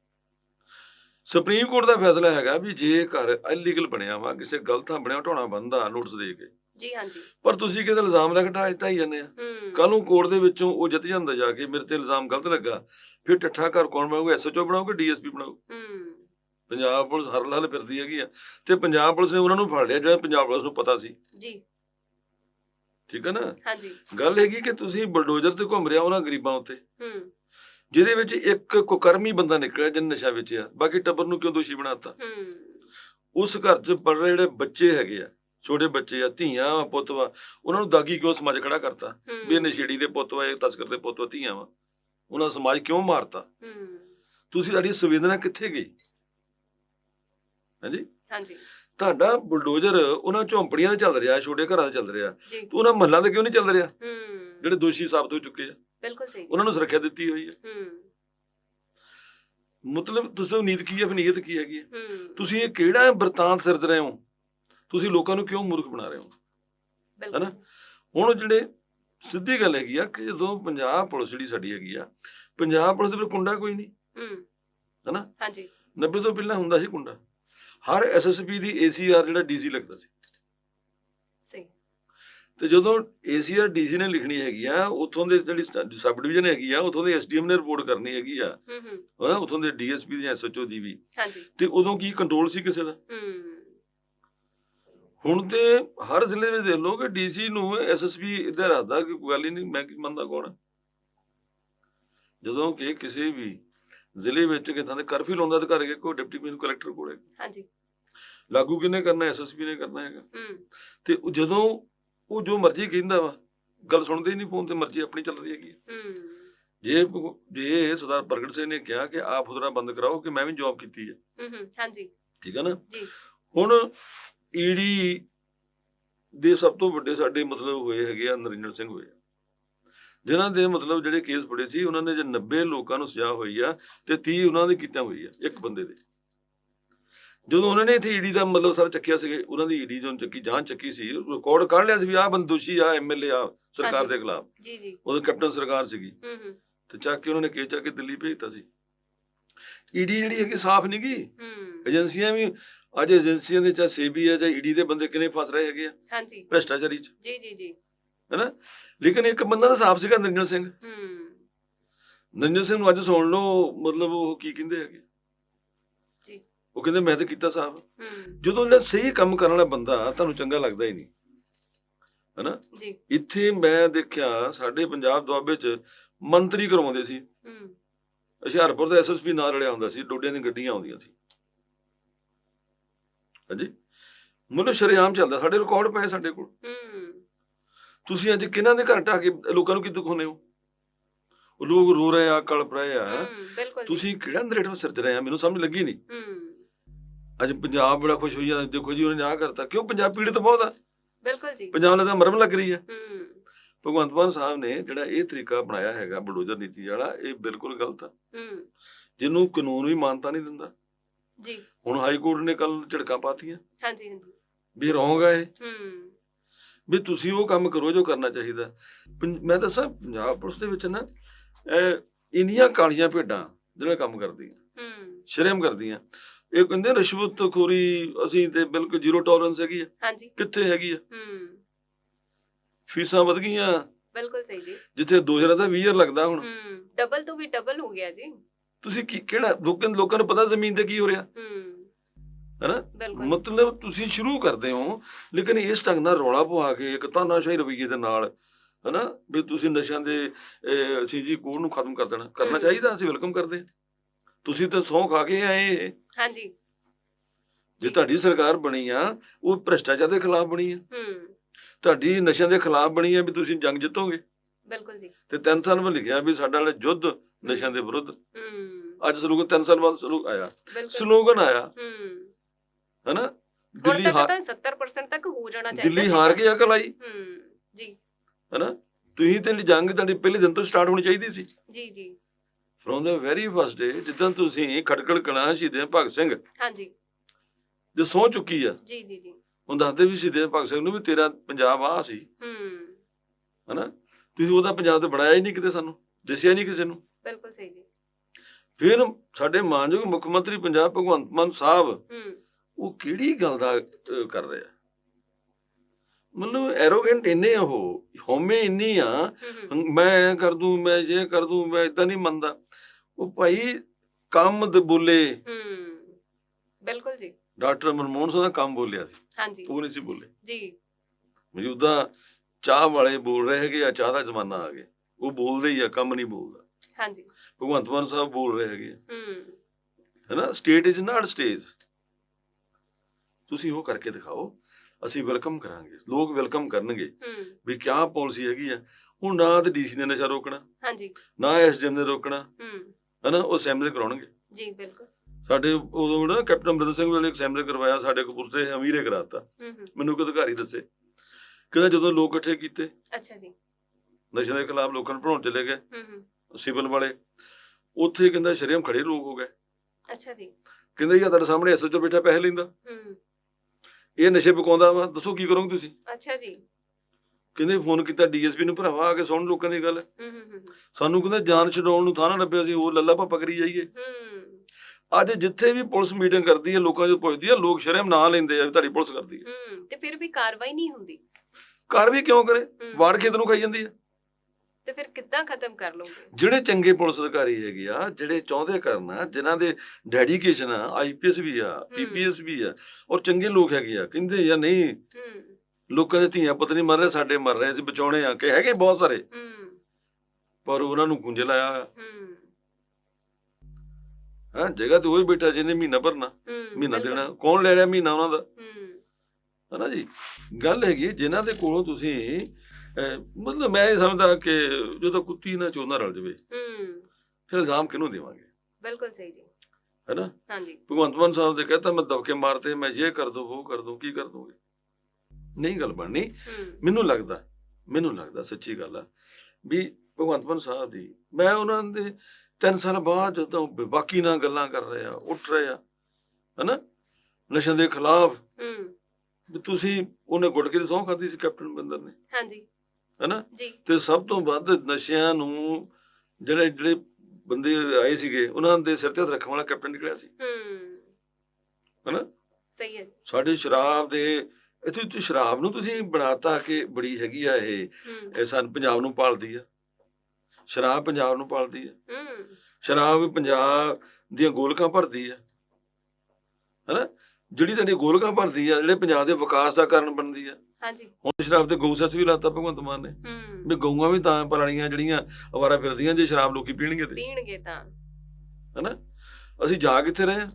Speaker 2: ਸੁਪਰੀਮ ਕੋਰਟ ਦਾ ਫੈਸਲਾ ਹੈਗਾ ਵੀ ਜੇ ਘਰ ਇਲੀਗਲ ਬਣਿਆ ਵਾ, ਕਿਸੇ ਗਲਤ ਥਾਂ ਬਣਿਆ, ਢਾਉਣਾ ਬਣਦਾ ਨੋਟਿਸ ਦੇ ਕੇ।
Speaker 1: ਜੀ ਹਾਂਜੀ।
Speaker 2: ਪਰ ਤੁਸੀਂ ਕਿਤੇ ਇਲਜ਼ਾਮ ਲੱਗ ਢਾਹ ਢਾਈ ਜਾਂਦੇ ਆ।
Speaker 1: ਹੂੰ
Speaker 2: ਕੱਲ ਨੂੰ ਕੋਰਟ ਦੇ ਵਿੱਚੋਂ ਉਹ ਜਿੱਤ ਜਾਂਦਾ ਜਾ ਕੇ, ਮੇਰੇ ਤੇ ਇਲਜ਼ਾਮ ਗਲਤ ਲੱਗਾ, ਫਿਰ ਟੱਠਾ ਘਰ ਕੌਣ ਬਣਾਊਗਾ? ਐਸ ਐਚ ਓ ਬਣਾਊਗਾ, ਡੀ ਐਸ ਪੀ ਬਣਾਊ?
Speaker 1: ਹੂੰ
Speaker 2: ਪੰਜਾਬ ਪੁਲਿਸ ਹਰ ਹਲ ਫਿਰਦੀ ਹੈਗੀ ਆ, ਤੇ ਪੰਜਾਬ ਪੁਲਿਸ ਨੇ ਉਹਨਾਂ ਨੂੰ ਫੜ ਲਿਆ ਜਿਹੜਾ ਪੰਜਾਬ ਪੁਲਿਸ ਨੂੰ ਪਤਾ ਸੀ।
Speaker 1: ਜੀ
Speaker 2: ਠੀਕ ਹੈ ਨਾ।
Speaker 1: ਹਾਂਜੀ।
Speaker 2: ਗੱਲ ਹੈਗੀ ਕਿ ਤੁਸੀਂ ਬਲਡੋਜ਼ਰ ਤੇ ਘੁੰਮ ਰਿਹਾ ਉਹਨਾਂ ਗਰੀਬਾਂ ਉੱਤੇ,
Speaker 1: ਹੂੰ
Speaker 2: ਜਿਹਦੇ ਵਿੱਚ ਇੱਕ ਕੁਕਰਮੀ ਬੰਦਾ ਨਿਕਲਿਆ ਜਿਹਨੇ ਨਸ਼ਾ ਵੇਚਿਆ, ਬਾਕੀ ਟੱਬਰ ਨੂੰ ਕਿਉਂ ਦੋਸ਼ੀ ਬਣਾਤਾ?
Speaker 1: ਹੂੰ
Speaker 2: ਉਸ ਘਰ 'ਚ ਪੜ ਰਹੇ ਜਿਹੜੇ ਬੱਚੇ ਹੈਗੇ ਆ, ਛੋਟੇ ਬੱਚੇ ਆ, ਧੀਆਂ ਵਾ, ਪੁੱਤ ਵਾ, ਉਹਨਾਂ ਨੂੰ ਦਾਗੀ ਕਿਉਂ ਸਮਾਜ ਖੜਾ ਕਰਤਾ ਵੀ ਇਹ ਨਸ਼ੇੜੀ ਦੇ ਪੁੱਤ ਵਾ, ਇਹ ਤਸਕਰ ਦੇ ਪੁੱਤ ਵਾ, ਧੀਆਂ ਵਾ, ਉਹਨਾਂ ਸਮਾਜ ਕਿਉਂ ਮਾਰਤਾ?
Speaker 1: ਹੂੰ
Speaker 2: ਤੁਸੀਂ ਸਾਡੀ ਸੰਵੇਦਨਾ ਕਿੱਥੇ ਗਈ? ਹਾਂਜੀ
Speaker 1: ਹਾਂਜੀ
Speaker 2: ਤੁਹਾਡਾ ਬੁਲਡੋਜ਼ਰ ਉਹਨਾਂ ਝੌਂਪੜੀਆਂ ਤੇ ਚੱਲ ਰਿਹਾ, ਛੋਟੇ ਘਰਾਂ ਤੇ ਚੱਲ ਰਿਹਾ,
Speaker 1: ਜੀ
Speaker 2: ਤੇ ਉਹਨਾਂ ਮਹੱਲਾਂ ਤੇ ਕਿਉਂ ਨਹੀਂ ਚੱਲ ਰਿਹਾ?
Speaker 1: ਹੂੰ
Speaker 2: ਜਿਹੜੇ ਦੋਸ਼ੀ ਸਾਬਤ ਹੋ ਚੁੱਕੇ ਆ,
Speaker 1: ਬਿਲਕੁਲ ਸਹੀ।
Speaker 2: ਉਹਨਾਂ ਨੂੰ ਸੁਰੱਖਿਆ ਦਿੱਤੀ ਹੋਈ ਹੈ।
Speaker 1: ਹੂੰ
Speaker 2: ਮਤਲਬ ਤੁਸੀਂ ਨੀਤ ਕੀ ਹੈ, ਨੀਅਤ ਕੀ ਹੈਗੀ ਹੈ?
Speaker 1: ਹੂੰ
Speaker 2: ਤੁਸੀਂ ਇਹ ਕਿਹੜਾ ਬਰਤਾਂਤ ਸਿਰਜ ਰਹੇ ਹੋ? ਤੁਸੀਂ ਲੋਕਾਂ ਨੂੰ ਕਿਉਂ ਮੂਰਖ ਬਣਾ ਰਹੇ ਹੋ?
Speaker 1: ਬਿਲਕੁਲ
Speaker 2: ਹਨਾ। ਹੁਣ ਜਿਹੜੇ ਸਿੱਧੀ ਗੱਲ ਹੈਗੀ ਆ ਕਿ ਜਦੋਂ ਪੰਜਾਬ ਪੁਲਿਸ ਜਿਹੜੀ ਸਾਡੀ ਹੈਗੀ ਆ, ਪੰਜਾਬ ਪੁਲਿਸ ਦੇ ਵਿੱਚ ਕੁੰਡਾ ਕੋਈ ਨਹੀਂ,
Speaker 1: ਹੂੰ
Speaker 2: ਹਨਾ।
Speaker 1: ਹਾਂਜੀ
Speaker 2: ਨੱਬੇ ਤੋਂ ਪਹਿਲਾਂ ਹੁੰਦਾ ਸੀ ਕੁੰਡਾ, ਹਰ ਐਸ ਐਸ ਪੀ ਦੀ ਏ ਸੀ ਆਰ ਜਿਹੜਾ ਡੀ ਸੀ ਲੱਗਦਾ ਸੀ।
Speaker 1: ਸਹੀ।
Speaker 2: ਤੇ ਜਦੋਂ ਏ ਸੀ ਆਰ ਡੀ ਸੀ ਨੇ ਲਿਖਣੀ ਹੈਗੀ ਆ, ਉੱਥੋਂ ਦੇ ਜਿਹੜੀ ਸਬ ਡਿਵੀਜ਼ਨ ਹੈਗੀ ਆ, ਉੱਥੋਂ ਦੇ ਐਸ ਡੀ ਐਮ ਨੇ ਰਿਪੋਰਟ ਕਰਨੀ ਹੈਗੀ ਆ,
Speaker 1: ਹੂੰ ਹੂੰ
Speaker 2: ਹਨਾ, ਉੱਥੋਂ ਦੇ ਡੀ ਐਸ ਪੀ ਦੀ, ਐਸ ਐਚ ਓ ਦੀ ਵੀ।
Speaker 1: ਹਾਂਜੀ।
Speaker 2: ਤੇ ਉਦੋਂ ਕੀ ਕੰਟਰੋਲ ਸੀ ਕਿਸੇ ਦਾ?
Speaker 1: ਹੂੰ
Speaker 2: ਹੁਣ ਤੇ ਹਰ ਜ਼ਿਲ੍ਹੇ ਵਿੱਚ ਦੇਖ ਲਓ ਕਿ ਡੀ ਸੀ ਨੂੰ ਐਸ ਐਸ ਪੀ ਇੱਧਰ ਰੱਖਦਾ ਕਿ ਕੋਈ ਗੱਲ ਹੀ ਨਹੀਂ, ਮੈਂ ਕੀ ਮੰਨਦਾ ਕੌਣ? ਜਦੋਂ ਕਿ ਕਿਸੇ ਵੀ ਜ਼ਿਲ੍ਹੇ ਵਿੱਚ ਕਿਤੇ ਦੇ ਕਰਫਿਊ ਲਾਉਣ ਦਾ ਅਧਿਕਾਰ ਹੈ ਕੋਈ ਡਿਪਟੀ ਕਮਿਸ਼ਨਰ ਕਲੈਕਟਰ ਕੋਲ ਹੈ।
Speaker 1: ਹਾਂਜੀ।
Speaker 2: ਲਾਗੂ ਕਿਹਨੇ ਕਰਨਾ? ਐਸ ਐਸ ਪੀ ਨੇ ਕਰਨਾ ਹੈਗਾ।
Speaker 1: ਹੂੰ
Speaker 2: ਤੇ ਉਹ ਜਦੋਂ ਉਹ ਜੋ ਮਰਜ਼ੀ ਕਹਿੰਦਾ ਵਾ, ਗੱਲ ਸੁਣਦੇ ਹੀ ਨਹੀਂ, ਫੋਨ ਤੇ ਮਰਜ਼ੀ ਆਪਣੀ ਚੱਲ ਰਹੀ ਹੈਗੀ।
Speaker 1: ਹੂੰ
Speaker 2: ਜੇ ਜੇ ਸਰਦਾਰ ਪ੍ਰਗਟ ਸਿੰਘ ਨੇ ਕਿਹਾ ਕਿ ਆਪ ਖੁਦਰਾ ਬੰਦ ਕਰਾਓ ਕਿ ਮੈਂ ਵੀ ਜੌਬ ਕੀਤੀ ਹੈ,
Speaker 1: ਹੂੰ ਹੂੰ ਹਾਂਜੀ
Speaker 2: ਠੀਕ ਹੈ ਨਾ।
Speaker 1: ਜੀ।
Speaker 2: ਹੁਣ ਈਡੀ ਦੇ ਸਭ ਤੋਂ ਵੱਡੇ ਸਾਡੇ ਮਤਲਬ ਹੋਏ ਹੈਗੇ ਆ ਨਰਿੰਦਰ ਸਿੰਘ ਹੋਏ, ਜਿਨ੍ਹਾਂ ਦੇ ਮਤਲਬ ਜਿਹੜੇ ਕੇਸ ਫੜੇ ਸੀ, ਉਹਨਾਂ ਨੇ ਜੇ ਨੱਬੇ ਲੋਕਾਂ ਨੂੰ ਸਜ਼ਾ ਹੋਈ ਆ ਤੇ ਤੀਹ ਉਹਨਾਂ ਦੀ ਕੀਤਾ ਹੋਈ ਆ ਇੱਕ ਬੰਦੇ ਦੇ। ਜਦੋਂ ਉਹਨਾਂ ਨੇ ਇੱਥੇ ਈਡੀ ਦਾ ਮਤਲਬ ਸਰ ਚੱਕਿਆ ਸੀ, ਉਹਨਾਂ ਦੀ ਈਡੀ ਜੋ ਚੱਕੀ ਜਾਂਚ ਚੱਕੀ ਸੀ, ਰਿਕਾਰਡ ਕੱਢ ਲਿਆ ਸੀ ਵੀ ਆਹ ਬੰਦ ਦੋਸ਼ੀ ਆ, ਐਮ ਐਲ ਏ ਆ ਸਰਕਾਰ ਦੇ ਖਿਲਾਫ।
Speaker 1: ਜੀ ਜੀ।
Speaker 2: ਉਦੋਂ ਕੈਪਟਨ ਸਰਕਾਰ ਸੀਗੀ,
Speaker 1: ਹੂੰ ਹੂੰ
Speaker 2: ਤੇ ਚੱਕ ਕੇ ਉਹਨਾਂ ਨੇ ਕੇਸ ਚੱਕ ਕੇ ਦਿੱਲੀ ਭੇਜਤਾ ਸੀ। ਈਡੀ ਜਿਹੜੀ ਹੈਗੀ ਸਾਫ਼ ਨਹੀਂ ਗਈ।
Speaker 1: ਹੂੰ
Speaker 2: ਏਜੰਸੀਆਂ ਵੀ ਅੱਜ ਏਜੰਸੀਆਂ ਦੇ ਚਾਹੇ ਸੇਬੀ ਹੈ ਜਾਂ ਈਡੀ ਦੇ ਬੰਦੇ ਕਿੰਨੇ ਫਸ ਰਹੇ ਹੈਗੇ ਆ
Speaker 1: ਹਾਂਜੀ
Speaker 2: ਭ੍ਰਿਸ਼ਟਾਚਾਰੀ ਚ।
Speaker 1: ਜੀ ਜੀ ਜੀ।
Speaker 2: ਹੈਨਾ। ਲੇਕਿਨ ਇੱਕ ਬੰਦਾ ਦਾ ਸਾਫ ਸੀਗਾ, ਨਿਰੰਜਨ ਸਿੰਘ।
Speaker 1: ਹੂੰ
Speaker 2: ਨਿਰੰਜਨ ਸਿੰਘ ਨੂੰ ਅੱਜ ਸੁਣ ਲਓ, ਮਤਲਬ ਉਹ ਕੀ ਕਹਿੰਦੇ ਹੈਗੇ
Speaker 1: ਜੀ,
Speaker 2: ਉਹ ਕਹਿੰਦੇ ਮੈਂ ਤਾਂ ਕੀਤਾ ਸਾਫ।
Speaker 1: ਹੂੰ
Speaker 2: ਜਦੋਂ ਜਿਹੜਾ ਸਹੀ ਕੰਮ ਕਰਨ ਵਾਲਾ ਬੰਦਾ ਤੁਹਾਨੂੰ ਚੰਗਾ ਲੱਗਦਾ ਹੀ ਨਹੀਂ, ਹੈਨਾ
Speaker 1: ਜੀ,
Speaker 2: ਇੱਥੇ ਮੈਂ ਦੇਖਿਆ ਸਾਡੇ ਪੰਜਾਬ ਦੁਆਬੇ 'ਚ ਮੰਤਰੀ ਕਰਵਾਉਂਦੇ ਸੀ,
Speaker 1: ਹੂੰ
Speaker 2: ਹੁਸ਼ਿਆਰਪੁਰ ਦਾ ਐਸ ਐਸ ਪੀ ਨਾਲ ਰਲਿਆ ਹੁੰਦਾ ਸੀ, ਡੋਡਿਆਂ ਦੀਆਂ ਗੱਡੀਆਂ ਆਉਂਦੀਆਂ ਸੀ, ਹਾਂਜੀ ਮਤਲਬ ਸ਼ਰੇਆਮ ਚੱਲਦਾ, ਸਾਡੇ ਰਿਕਾਰਡ ਪਏ ਸਾਡੇ ਕੋਲ।
Speaker 1: ਹੂੰ
Speaker 2: ਤੁਸੀਂ ਅੱਜ ਕਿਹਨਾਂ ਦੇ ਘਰ ਢਾਹ ਕੇ ਲੋਕਾਂ ਨੂੰ ਕੀ ਦਿਖਾਉਂਦੇ ਹੋ? ਉਹ ਲੋਕ ਰੋ ਰਹੇ ਆ, ਕਲਪ ਰਹੇ ਆ,
Speaker 1: ਹੂੰ ਬਿਲਕੁਲ ਜੀ,
Speaker 2: ਤੁਸੀਂ ਕਿਹੜਾ ਨਰੇਟਿਵ ਸਿਰਜ ਰਹੇ ਆ? ਮੈਨੂੰ ਸਮਝ ਲੱਗੀ ਨਹੀਂ।
Speaker 1: ਹੂੰ
Speaker 2: ਅੱਜ ਪੰਜਾਬ ਬੜਾ ਖੁਸ਼ ਹੋਈ ਆ, ਦੇਖੋ ਜੀ ਉਹਨੇ ਆਹ ਕਰਤਾ, ਕਿਉਂ? ਪੰਜਾਬ ਪੀੜਤ ਬਹੁਤ ਆ,
Speaker 1: ਬਿਲਕੁਲ ਜੀ,
Speaker 2: ਪੰਜਾਬ ਨਾਲ ਤਾਂ ਮਰਮ ਲੱਗ ਰਹੀ ਆ।
Speaker 1: ਹੂੰ
Speaker 2: ਭਗਵੰਤ ਮਾਨ ਸਾਹਿਬ ਨੇ ਜਿਹੜਾ ਇਹ ਤਰੀਕਾ ਅਪਣਾਇਆ ਹੈਗਾ ਬਲਡੋਜ਼ਰ ਨੀਤੀ ਵਾਲਾ, ਇਹ ਬਿਲਕੁਲ ਗਲਤ ਆ,
Speaker 1: ਹੂੰ
Speaker 2: ਜਿਹਨੂੰ ਕਾਨੂੰਨ ਵੀ ਮਾਨਤਾ ਨਹੀਂ ਦਿੰਦਾ।
Speaker 1: ਜੀ,
Speaker 2: ਹੁਣ ਹਾਈ ਕੋਰਟ ਨੇ ਕੱਲ ਝੜਕਾਂ ਪਾਤੀਆਂ
Speaker 1: ਹਾਂਜੀ ਹਾਂਜੀ,
Speaker 2: ਵੀ ਰੋਂਗ ਆ ਇਹ,
Speaker 1: ਹੂੰ
Speaker 2: ਵੀ ਤੁਸੀਂ ਉਹ ਕੰਮ ਕਰੋ ਜੋ ਕਰਨਾ ਚਾਹੀਦਾ। ਪੰਜ- ਮੈਂ ਦੱਸਾਂ ਪੰਜਾਬ ਪੁਲਿਸ ਦੇ ਵਿੱਚ ਨਾ ਇਹ ਇੰਨੀਆਂ ਕਾਲੀਆਂ ਭੇਡਾਂ ਜਿਹੜੇ ਕੰਮ ਕਰਦੀਆਂ,
Speaker 1: ਹੂੰ
Speaker 2: ਸ਼ਰਮ ਕਰਦੀਆਂ। ਇਹ ਕਹਿੰਦੇ ਰਿਸ਼ਵਤਖੋਰੀ ਅਸੀਂ ਤੇ ਬਿਲਕੁਲ ਜ਼ੀਰੋ ਟੋਲਰੈਂਸ ਹੈਗੀ ਆ,
Speaker 1: ਹਾਂਜੀ,
Speaker 2: ਕਿੱਥੇ ਹੈਗੀ ਆ?
Speaker 1: ਹੂੰ
Speaker 2: ਫੀਸਾਂ ਵਧ ਗਈਆਂ,
Speaker 1: ਬਿਲਕੁਲ ਸਹੀ ਜੀ,
Speaker 2: ਜਿੱਥੇ ਦੋ ਹਜ਼ਾਰ ਦਾ ਵੀਹ ਹਜ਼ਾਰ ਲੱਗਦਾ ਹੁਣ।
Speaker 1: ਹੂੰ ਡਬਲ ਤੋਂ ਵੀ ਡਬਲ ਹੋ ਗਿਆ ਜੀ,
Speaker 2: ਤੁਸੀਂ ਕੀ ਕਿਹੜਾ ਲੋਕਾਂ ਲੋਕਾਂ ਨੂੰ ਪਤਾ ਜ਼ਮੀਨ ਤੇ ਕੀ ਹੋ ਰਿਹਾ,
Speaker 1: ਹੂੰ
Speaker 2: ਹੈਨਾ?
Speaker 1: ਬਿਲਕੁਲ,
Speaker 2: ਮਤਲਬ ਤੁਸੀਂ ਸ਼ੁਰੂ ਕਰਦੇ ਹੋ, ਲੇਕਿਨ ਇਸ ਢੰਗ ਨਾਲ ਰੌਲਾ ਪਵਾ ਕੇ ਇੱਕ ਤਾਨਾਸ਼ਾਹੀ ਰਵੱਈਏ ਦੇ ਨਾਲ, ਹੈਨਾ ਵੀ ਤੁਸੀਂ ਨਸ਼ਿਆਂ ਦੇ ਅਹ, ਅਸੀਂ ਜੀ ਕੋੜ ਨੂੰ ਖਤਮ ਕਰ ਦੇਣਾ, ਕਰਨਾ
Speaker 1: ਹੂੰ।
Speaker 2: ਚਾਹੀਦਾ, ਅਸੀਂ ਵੈਲਕਮ ਕਰਦੇ ਹਾਂ। ਤੁਸੀਂ ਤਾਂ ਸਹੁੰ ਖਾ ਕੇ ਆਏ ਇਹ।
Speaker 1: ਹਾਂਜੀ,
Speaker 2: ਜੇ
Speaker 1: ਜੀ।
Speaker 2: ਤੁਹਾਡੀ ਸਰਕਾਰ ਬਣੀ ਆ, ਉਹ ਭ੍ਰਿਸ਼ਟਾਚਾਰ ਦੇ ਖਿਲਾਫ ਬਣੀ ਆ,
Speaker 1: ਹੂੰ
Speaker 2: ਤੁਹਾਡੀ ਨਸ਼ਿਆਂ ਦੇ ਖਿਲਾਫ ਬਣੀ ਆ ਵੀ ਤੁਸੀਂ ਜੰਗ ਜਿੱਤੋਗੇ।
Speaker 1: ਬਿਲਕੁਲ ਜੀ,
Speaker 2: ਤੇ ਤਿੰਨ ਸਾਲ ਬਾਅਦ ਲਿਖਿਆ ਵੀ ਸਾਡਾ ਵਾਲਾ ਯੁੱਧ ਨਸ਼ਿਆਂ ਦੇ ਵਿਰੁੱਧ।
Speaker 1: ਹੂੰ
Speaker 2: ਅੱਜ ਸਲੋਗਨ ਤਿੰਨ ਸਾਲ ਬਾਅਦ ਸਲੋਗਨ ਆਇਆ,
Speaker 1: ਬਿਲਕੁਲ,
Speaker 2: ਸਲੋਗਨ ਆਇਆ,
Speaker 1: ਹੂੰ
Speaker 2: ਹੈਨਾ।
Speaker 1: ਹੁਣ
Speaker 2: ਦਿੱਲੀ
Speaker 1: ਤੱਕ
Speaker 2: ਹਾਰ
Speaker 1: ਤਾਂ ਸੱਤਰ ਪਰਸੈਂਟ ਤੱਕ ਹੋ ਜਾਣਾ ਚਾਹੀਦਾ
Speaker 2: ਦਿੱਲੀ
Speaker 1: ਸੀਗਾ।
Speaker 2: ਹਾਰ ਕੇ ਅਕਲ ਆਈ,
Speaker 1: ਹੂੰ ਜੀ,
Speaker 2: ਹੈਨਾ। ਤੁਸੀਂ ਤੇ ਜੰਗ ਤੁਹਾਡੀ ਪਹਿਲੇ ਦਿਨ ਤੋਂ ਸਟਾਰਟ ਹੋਣੀ ਚਾਹੀਦੀ ਸੀ,
Speaker 1: ਜੀ ਜੀ,
Speaker 2: from the very first day. ਜਿੱਦਾਂ ਤੁਸੀਂ ਖਟਕੜ ਕਲਾਂ ਸ਼ਹੀਦ ਭਗਤ ਸਿੰਘ
Speaker 1: ਹਾਂਜੀ,
Speaker 2: ਜੋ ਸਹੁੰ ਚੁੱਕੀ ਆ,
Speaker 1: ਜੀ ਜੀ ਜੀ,
Speaker 2: ਹੁਣ ਦੱਸਦੇ ਵੀ ਸ਼ਹੀਦ ਭਗਤ ਸਿੰਘ ਨੂੰ ਵੀ ਤੇਰਾ ਪੰਜਾਬ ਆ ਸੀ,
Speaker 1: ਹੂੰ
Speaker 2: ਹੈਨਾ। ਤੁਸੀਂ ਉਹਦਾ ਪੰਜਾਬ ਤੇ ਬਣਾਇਆ ਹੀ ਨਹੀਂ, ਕਿਤੇ ਸਾਨੂੰ ਦੱਸਿਆ ਨਹੀਂ ਕਿਸੇ ਨੂੰ।
Speaker 1: ਬਿਲਕੁਲ ਸਹੀ ਜੀ,
Speaker 2: ਫਿਰ ਸਾਡੇ ਮਾਨਯੋਗ ਮੁੱਖ ਮੰਤਰੀ ਪੰਜਾਬ ਭਗਵੰਤ ਮਾਨ ਸਾਹਿਬ,
Speaker 1: ਹੂੰ
Speaker 2: ਉਹ ਕਿਹੜੀ ਗੱਲ ਦਾ ਅਹ, ਕਰ ਰਿਹਾ, ਮਤਲਬ ਐਰੋਗੈਂਟ ਇੰਨੇ ਆ, ਉਹ ਹਉਮੈ ਇੰਨੀ ਆ,
Speaker 1: ਹੂੰ ਹੂੰ
Speaker 2: ਮੈਂ ਕਰ ਦੂੰ, ਮੈਂ ਇਹ ਕਰ ਦੂੰ, ਮੈਂ ਏਦਾਂ ਨਹੀਂ ਮੰਨਦਾ। ਉਹ ਭਾਈ ਕੰਮ ਦੇ ਬੋਲੇ,
Speaker 1: ਹੂੰ ਬਿਲਕੁਲ ਜੀ,
Speaker 2: ਡਾਕਟਰ ਮਨਮੋਹਨ ਸਿੰਘ ਦਾ ਕੰਮ ਬੋਲਿਆ ਸੀ,
Speaker 1: ਹਾਂਜੀ,
Speaker 2: ਉਹ ਨਹੀਂ ਸੀ ਬੋਲੇ।
Speaker 1: ਜੀ,
Speaker 2: ਮੌਜੂਦਾ ਚਾਹ ਵਾਲੇ ਬੋਲ ਰਹੇ ਹੈਗੇ ਆ, ਚਾਹ ਦਾ ਜ਼ਮਾਨਾ ਆ ਗਿਆ, ਉਹ ਬੋਲਦੇ ਹੀ ਆ, ਕੰਮ ਨਹੀਂ ਬੋਲਦਾ।
Speaker 1: ਹਾਂਜੀ,
Speaker 2: ਭਗਵੰਤ ਮਾਨ ਸਾਹਿਬ ਬੋਲ ਰਹੇ ਹੈਗੇ ਆ,
Speaker 1: ਹੂੰ
Speaker 2: ਹੈਨਾ। ਸਟੇਟ ਇਜ਼ ਨਾਟ ਸਟੇਜ, ਤੁਸੀਂ ਉਹ ਕਰਕੇ ਦਿਖਾਓ, ਅਸੀਂ ਵੈਲਕਮ ਕਰਾਂਗੇ, ਲੋਕ ਵੈਲਕਮ ਕਰਨਗੇ
Speaker 1: ਹੂੰ
Speaker 2: ਵੀ ਕਿਆ ਪਾਲਿਸੀ ਹੈਗੀ ਆ। ਹੁਣ ਨਾ ਤੇ ਡੀਸੀ ਨੇ ਨਸ਼ਾ ਰੋਕਣਾ,
Speaker 1: ਹਾਂਜੀ,
Speaker 2: ਨਾ ਐਸਡੀਐਮ ਨੇ ਰੋਕਣਾ,
Speaker 1: ਹੂੰ
Speaker 2: ਹੈਨਾ, ਉਹ ਅਸੈਂਬਲੀ ਕਰਾਉਣਗੇ।
Speaker 1: ਜੀ ਬਿਲਕੁਲ,
Speaker 2: ਸਾਡੇ ਉਦੋਂ ਨਾ ਕੈਪਟਨ ਅਮਰਿੰਦਰ ਸਿੰਘ ਵੇਲੇ ਅਸੈਂਬਲੀ ਕਰਵਾਇਆ, ਸਾਡੇ ਕਪੂਰਥਲੇ ਅਮੀਰੇ ਕਰਾਤਾ।
Speaker 1: ਹੂੰ ਹੂੰ
Speaker 2: ਮੈਨੂੰ ਇੱਕ ਅਧਿਕਾਰੀ ਦੱਸੇ, ਕਹਿੰਦਾ ਜਦੋਂ ਲੋਕ ਇਕੱਠੇ ਕੀਤੇ
Speaker 1: ਅੱਛਾ ਜੀ,
Speaker 2: ਨਸ਼ਿਆਂ ਦੇ ਖਿਲਾਫ, ਲੋਕਾਂ ਨੂੰ ਪੜਾਉਣ ਚਲੇ ਗਏ
Speaker 1: ਹੂੰ ਹੂੰ
Speaker 2: ਸਿਵਲ ਵਾਲੇ, ਉੱਥੇ ਕਹਿੰਦਾ ਸ਼ਰੇਆਮ ਖੜੇ ਲੋਕ ਹੋ ਗਏ।
Speaker 1: ਅੱਛਾ ਜੀ,
Speaker 2: ਕਹਿੰਦੇ ਯਾਰ ਤੁਹਾਡੇ ਸਾਹਮਣੇ ਐਸਐਚਓ ਬੈਠਾ, ਪੈਸੇ ਲੈਂਦਾ,
Speaker 1: ਹੂੰ
Speaker 2: ਇਹ ਨਸ਼ੇ ਪਕਾਉਂਦਾ ਵਾ, ਦੱਸੋ ਕੀ ਕਰੋਗੇ ਤੁਸੀਂ?
Speaker 1: ਅੱਛਾ ਜੀ,
Speaker 2: ਕਹਿੰਦੇ ਫੋਨ ਕੀਤਾ ਡੀਐਸਪੀ ਨੂੰ, ਭਰਾਵਾ ਆ ਕੇ ਸੁਣ ਲੋਕਾਂ ਦੀ ਗੱਲ।
Speaker 1: ਹੂੰ ਹੂੰ ਹੂੰ
Speaker 2: ਸਾਨੂੰ ਕਹਿੰਦਾ ਜਾਨ ਛਡਾਉਣ ਨੂੰ ਥਾਂ ਨਾ ਲੱਭਿਆ, ਸੀ ਉਹ ਲੱਲਾ ਭਾਪਾ ਕਰੀ ਜਾਈਏ।
Speaker 1: ਹੂੰ
Speaker 2: ਅੱਜ ਜਿੱਥੇ ਵੀ ਪੁਲਿਸ ਮੀਟਿੰਗ ਕਰਦੀ ਹੈ, ਲੋਕਾਂ ਨੂੰ ਪੁੱਛਦੀ ਹੈ, ਲੋਕ ਸ਼ਰਮ ਨਾਂ ਲੈਂਦੇ ਆ ਵੀ ਤੁਹਾਡੀ ਪੁਲਿਸ ਕਰਦੀ ਹੈ।
Speaker 1: ਹੂੰ ਤੇ ਫਿਰ ਵੀ ਕਾਰਵਾਈ ਨਹੀਂ ਹੁੰਦੀ,
Speaker 2: ਘਰ ਵੀ ਕਿਉਂ ਕਰੇ,
Speaker 1: ਹੂੰ।
Speaker 2: ਵਾੜ ਖੇਤ ਨੂੰ ਖਾਈ ਜਾਂਦੀ ਹੈ।
Speaker 1: ਤੇ ਫਿਰ ਕਿੱਦਾਂ ਖਤਮ ਕਰ ਲਓਗੇ?
Speaker 2: ਜਿਹੜੇ ਚੰਗੇ ਪੁਲਿਸ ਅਧਿਕਾਰੀ ਹੈਗੇ ਆ, ਜਿਹੜੇ ਚਾਹੁੰਦੇ ਕਰਨਾ, ਜਿਨ੍ਹਾਂ ਦੇ ਡੈਡੀਕੇਸ਼ਨ ਆ, ਆਈਪੀਐਸ ਵੀ ਆ, ਪੀਪੀਐਸ ਵੀ ਆ, ਔਰ ਚੰਗੇ ਲੋਕ ਹੈਗੇ ਆ, ਕਹਿੰਦੇ ਯਾਰ ਨਹੀਂ
Speaker 1: ਹੂੰ
Speaker 2: ਲੋਕਾਂ ਦੇ ਧੀਆਂ ਪੁੱਤ ਨਹੀਂ ਮਰ ਰਹੇ, ਸਾਡੇ ਮਰ ਰਹੇ, ਅਸੀਂ ਬਚਾਉਣੇ ਆ, ਕਿ ਹੈਗੇ ਬਹੁਤ ਸਾਰੇ,
Speaker 1: ਹੂੰ
Speaker 2: ਪਰ ਉਹਨਾਂ ਨੂੰ ਗੁੰਝੇ ਲਾਇਆ ਹੋਇਆ।
Speaker 1: ਹੂੰ
Speaker 2: ਹਾਂ, ਜਗ੍ਹਾ ਤੇ ਉਹ ਹੀ ਬੈਠਾ ਜਿਹਨੇ ਮਹੀਨਾ ਭਰਨਾ,
Speaker 1: ਹੂੰ
Speaker 2: ਮਹੀਨਾ
Speaker 1: ਬਿਲਕੁਲ।
Speaker 2: ਦੇਣਾ, ਕੌਣ ਲੈ ਰਿਹਾ ਮਹੀਨਾ ਉਹਨਾਂ ਦਾ,
Speaker 1: ਹੂੰ
Speaker 2: ਹਨਾ ਜੀ। ਗੱਲ ਹੈਗੀ ਜਿਨ੍ਹਾਂ ਦੇ ਕੋਲੋਂ ਤੁਸੀਂ ਅਹ, ਮਤਲਬ ਮੈਂ ਇਹ ਸਮਝਦਾ ਕਿ ਜਦੋਂ ਕੁੱਤੀ ਨਾ ਚੋਂ ਨਾ ਰਲ ਜਾਵੇ,
Speaker 1: ਹੂੰ
Speaker 2: ਫਿਰ ਇਲਜ਼ਾਮ ਕਿਹਨੂੰ ਦੇਵਾਂਗੇ,
Speaker 1: ਬਿਲਕੁਲ ਸਹੀ ਜੀ,
Speaker 2: ਹੈਨਾ।
Speaker 1: ਹਾਂਜੀ,
Speaker 2: ਭਗਵੰਤ ਮਾਨ ਸਾਹਿਬ ਦੇ ਕਹਤਾ ਮੈਂ ਦਬਕੇ ਮਾਰਤੇ, ਮੈਂ ਇਹ ਕਰ ਦੂੰ, ਉਹ ਕਰ ਦੂੰ, ਕੀ ਕਰ ਦੂੰਗੇ, ਨਹੀਂ ਗੱਲ ਬਣਨੀ।
Speaker 1: ਹੂੰ
Speaker 2: ਮੈਨੂੰ ਲੱਗਦਾ ਮੈਨੂੰ ਲੱਗਦਾ ਸੱਚੀ ਗੱਲ ਆ ਵੀ ਭਗਵੰਤ ਮਾਨ ਸਾਹਿਬ ਦੀ, ਮੈਂ ਉਹਨਾਂ ਦੇ ਤਿੰਨ ਸਾਲ ਬਾਅਦ ਜਦੋਂ ਬਾਕੀ ਨਾਲ ਗੱਲਾਂ ਕਰ ਰਹੇ ਆ, ਉੱਠ ਰਹੇ ਆ, ਹਨਾ, ਨਸ਼ਿਆਂ ਦੇ ਖਿਲਾਫ,
Speaker 1: ਹੂੰ
Speaker 2: ਵੀ ਤੁਸੀਂ ਉਹਨੇ ਗੁੱਟ ਕੇ ਸਹੁੰ ਖਾਧੀ ਸੀ ਕੈਪਟਨ ਅਮਰਿੰਦਰ ਨੇ,
Speaker 1: ਹਾਂਜੀ,
Speaker 2: ਹਨਾ,
Speaker 1: ਜੀ,
Speaker 2: ਤੇ ਸਭ ਤੋਂ ਵੱਧ ਨਸ਼ਿਆਂ ਨੂੰ ਜਿਹੜੇ ਜਿਹੜੇ ਬੰਦੇ ਆਏ ਸੀਗੇ ਉਹਨਾਂ ਦੇ ਸਿਰ ਤੇ ਹੱਥ ਰੱਖਣ ਵਾਲਾ ਕੈਪਟਨ ਨਿਕਲਿਆ ਸੀ,
Speaker 1: ਹੂੰ
Speaker 2: ਹਨਾ।
Speaker 1: ਸਹੀ ਹੈ,
Speaker 2: ਸਾਡੇ ਸ਼ਰਾਬ ਦੇ ਇੱਥੇ ਤੁਸੀਂ ਸ਼ਰਾਬ ਨੂੰ ਤੁਸੀਂ ਬਣਾਤਾ ਕਿ ਬੜੀ ਹੈਗੀ ਆ ਇਹ
Speaker 1: ਹੂੰ
Speaker 2: ਇਹ ਸਾਨੂੰ ਪੰਜਾਬ ਨੂੰ ਪਾਲਦੀ ਆ। ਸ਼ਰਾਬ ਪੰਜਾਬ ਨੂੰ ਪਾਲਦੀ ਆ।
Speaker 1: ਹੂੰ
Speaker 2: ਸ਼ਰਾਬ ਪੰਜਾਬ ਦੀਆਂ ਗੋਲਕਾਂ ਭਰਦੀ ਆ, ਹਨਾ। ਜਿਹੜੀ ਤੁਹਾਡੀ ਗੋਲਕਾਂ ਭਰਦੀ ਆ, ਜਿਹੜੇ ਪੰਜਾਬ ਦੇ ਵਿਕਾਸ ਦਾ ਕਾਰਨ ਬਣਦੀ ਆ।
Speaker 1: ਹਾਂਜੀ
Speaker 2: ਹੁਣ ਸ਼ਰਾਬ ਤੇ ਗਊ ਸੈਸ ਵੀ ਲਾਤਾ ਭਗਵੰਤ ਮਾਨ ਨੇ,
Speaker 1: ਹੂੰ
Speaker 2: ਵੀ ਗਊਆਂ ਵੀ ਤਾਂ ਪਾਲਣੀਆਂ ਜਿਹੜੀਆਂ ਅਵਾਰਾ ਫਿਰਦੀਆਂ, ਜੇ ਸ਼ਰਾਬ ਲੋਕੀ ਪੀਣਗੇ ਤੇ,
Speaker 1: ਪੀਣਗੇ ਤਾਂ
Speaker 2: ਹਨਾ। ਅਸੀਂ ਜਾ ਕਿੱਥੇ ਰਹੇ ਹਾਂ?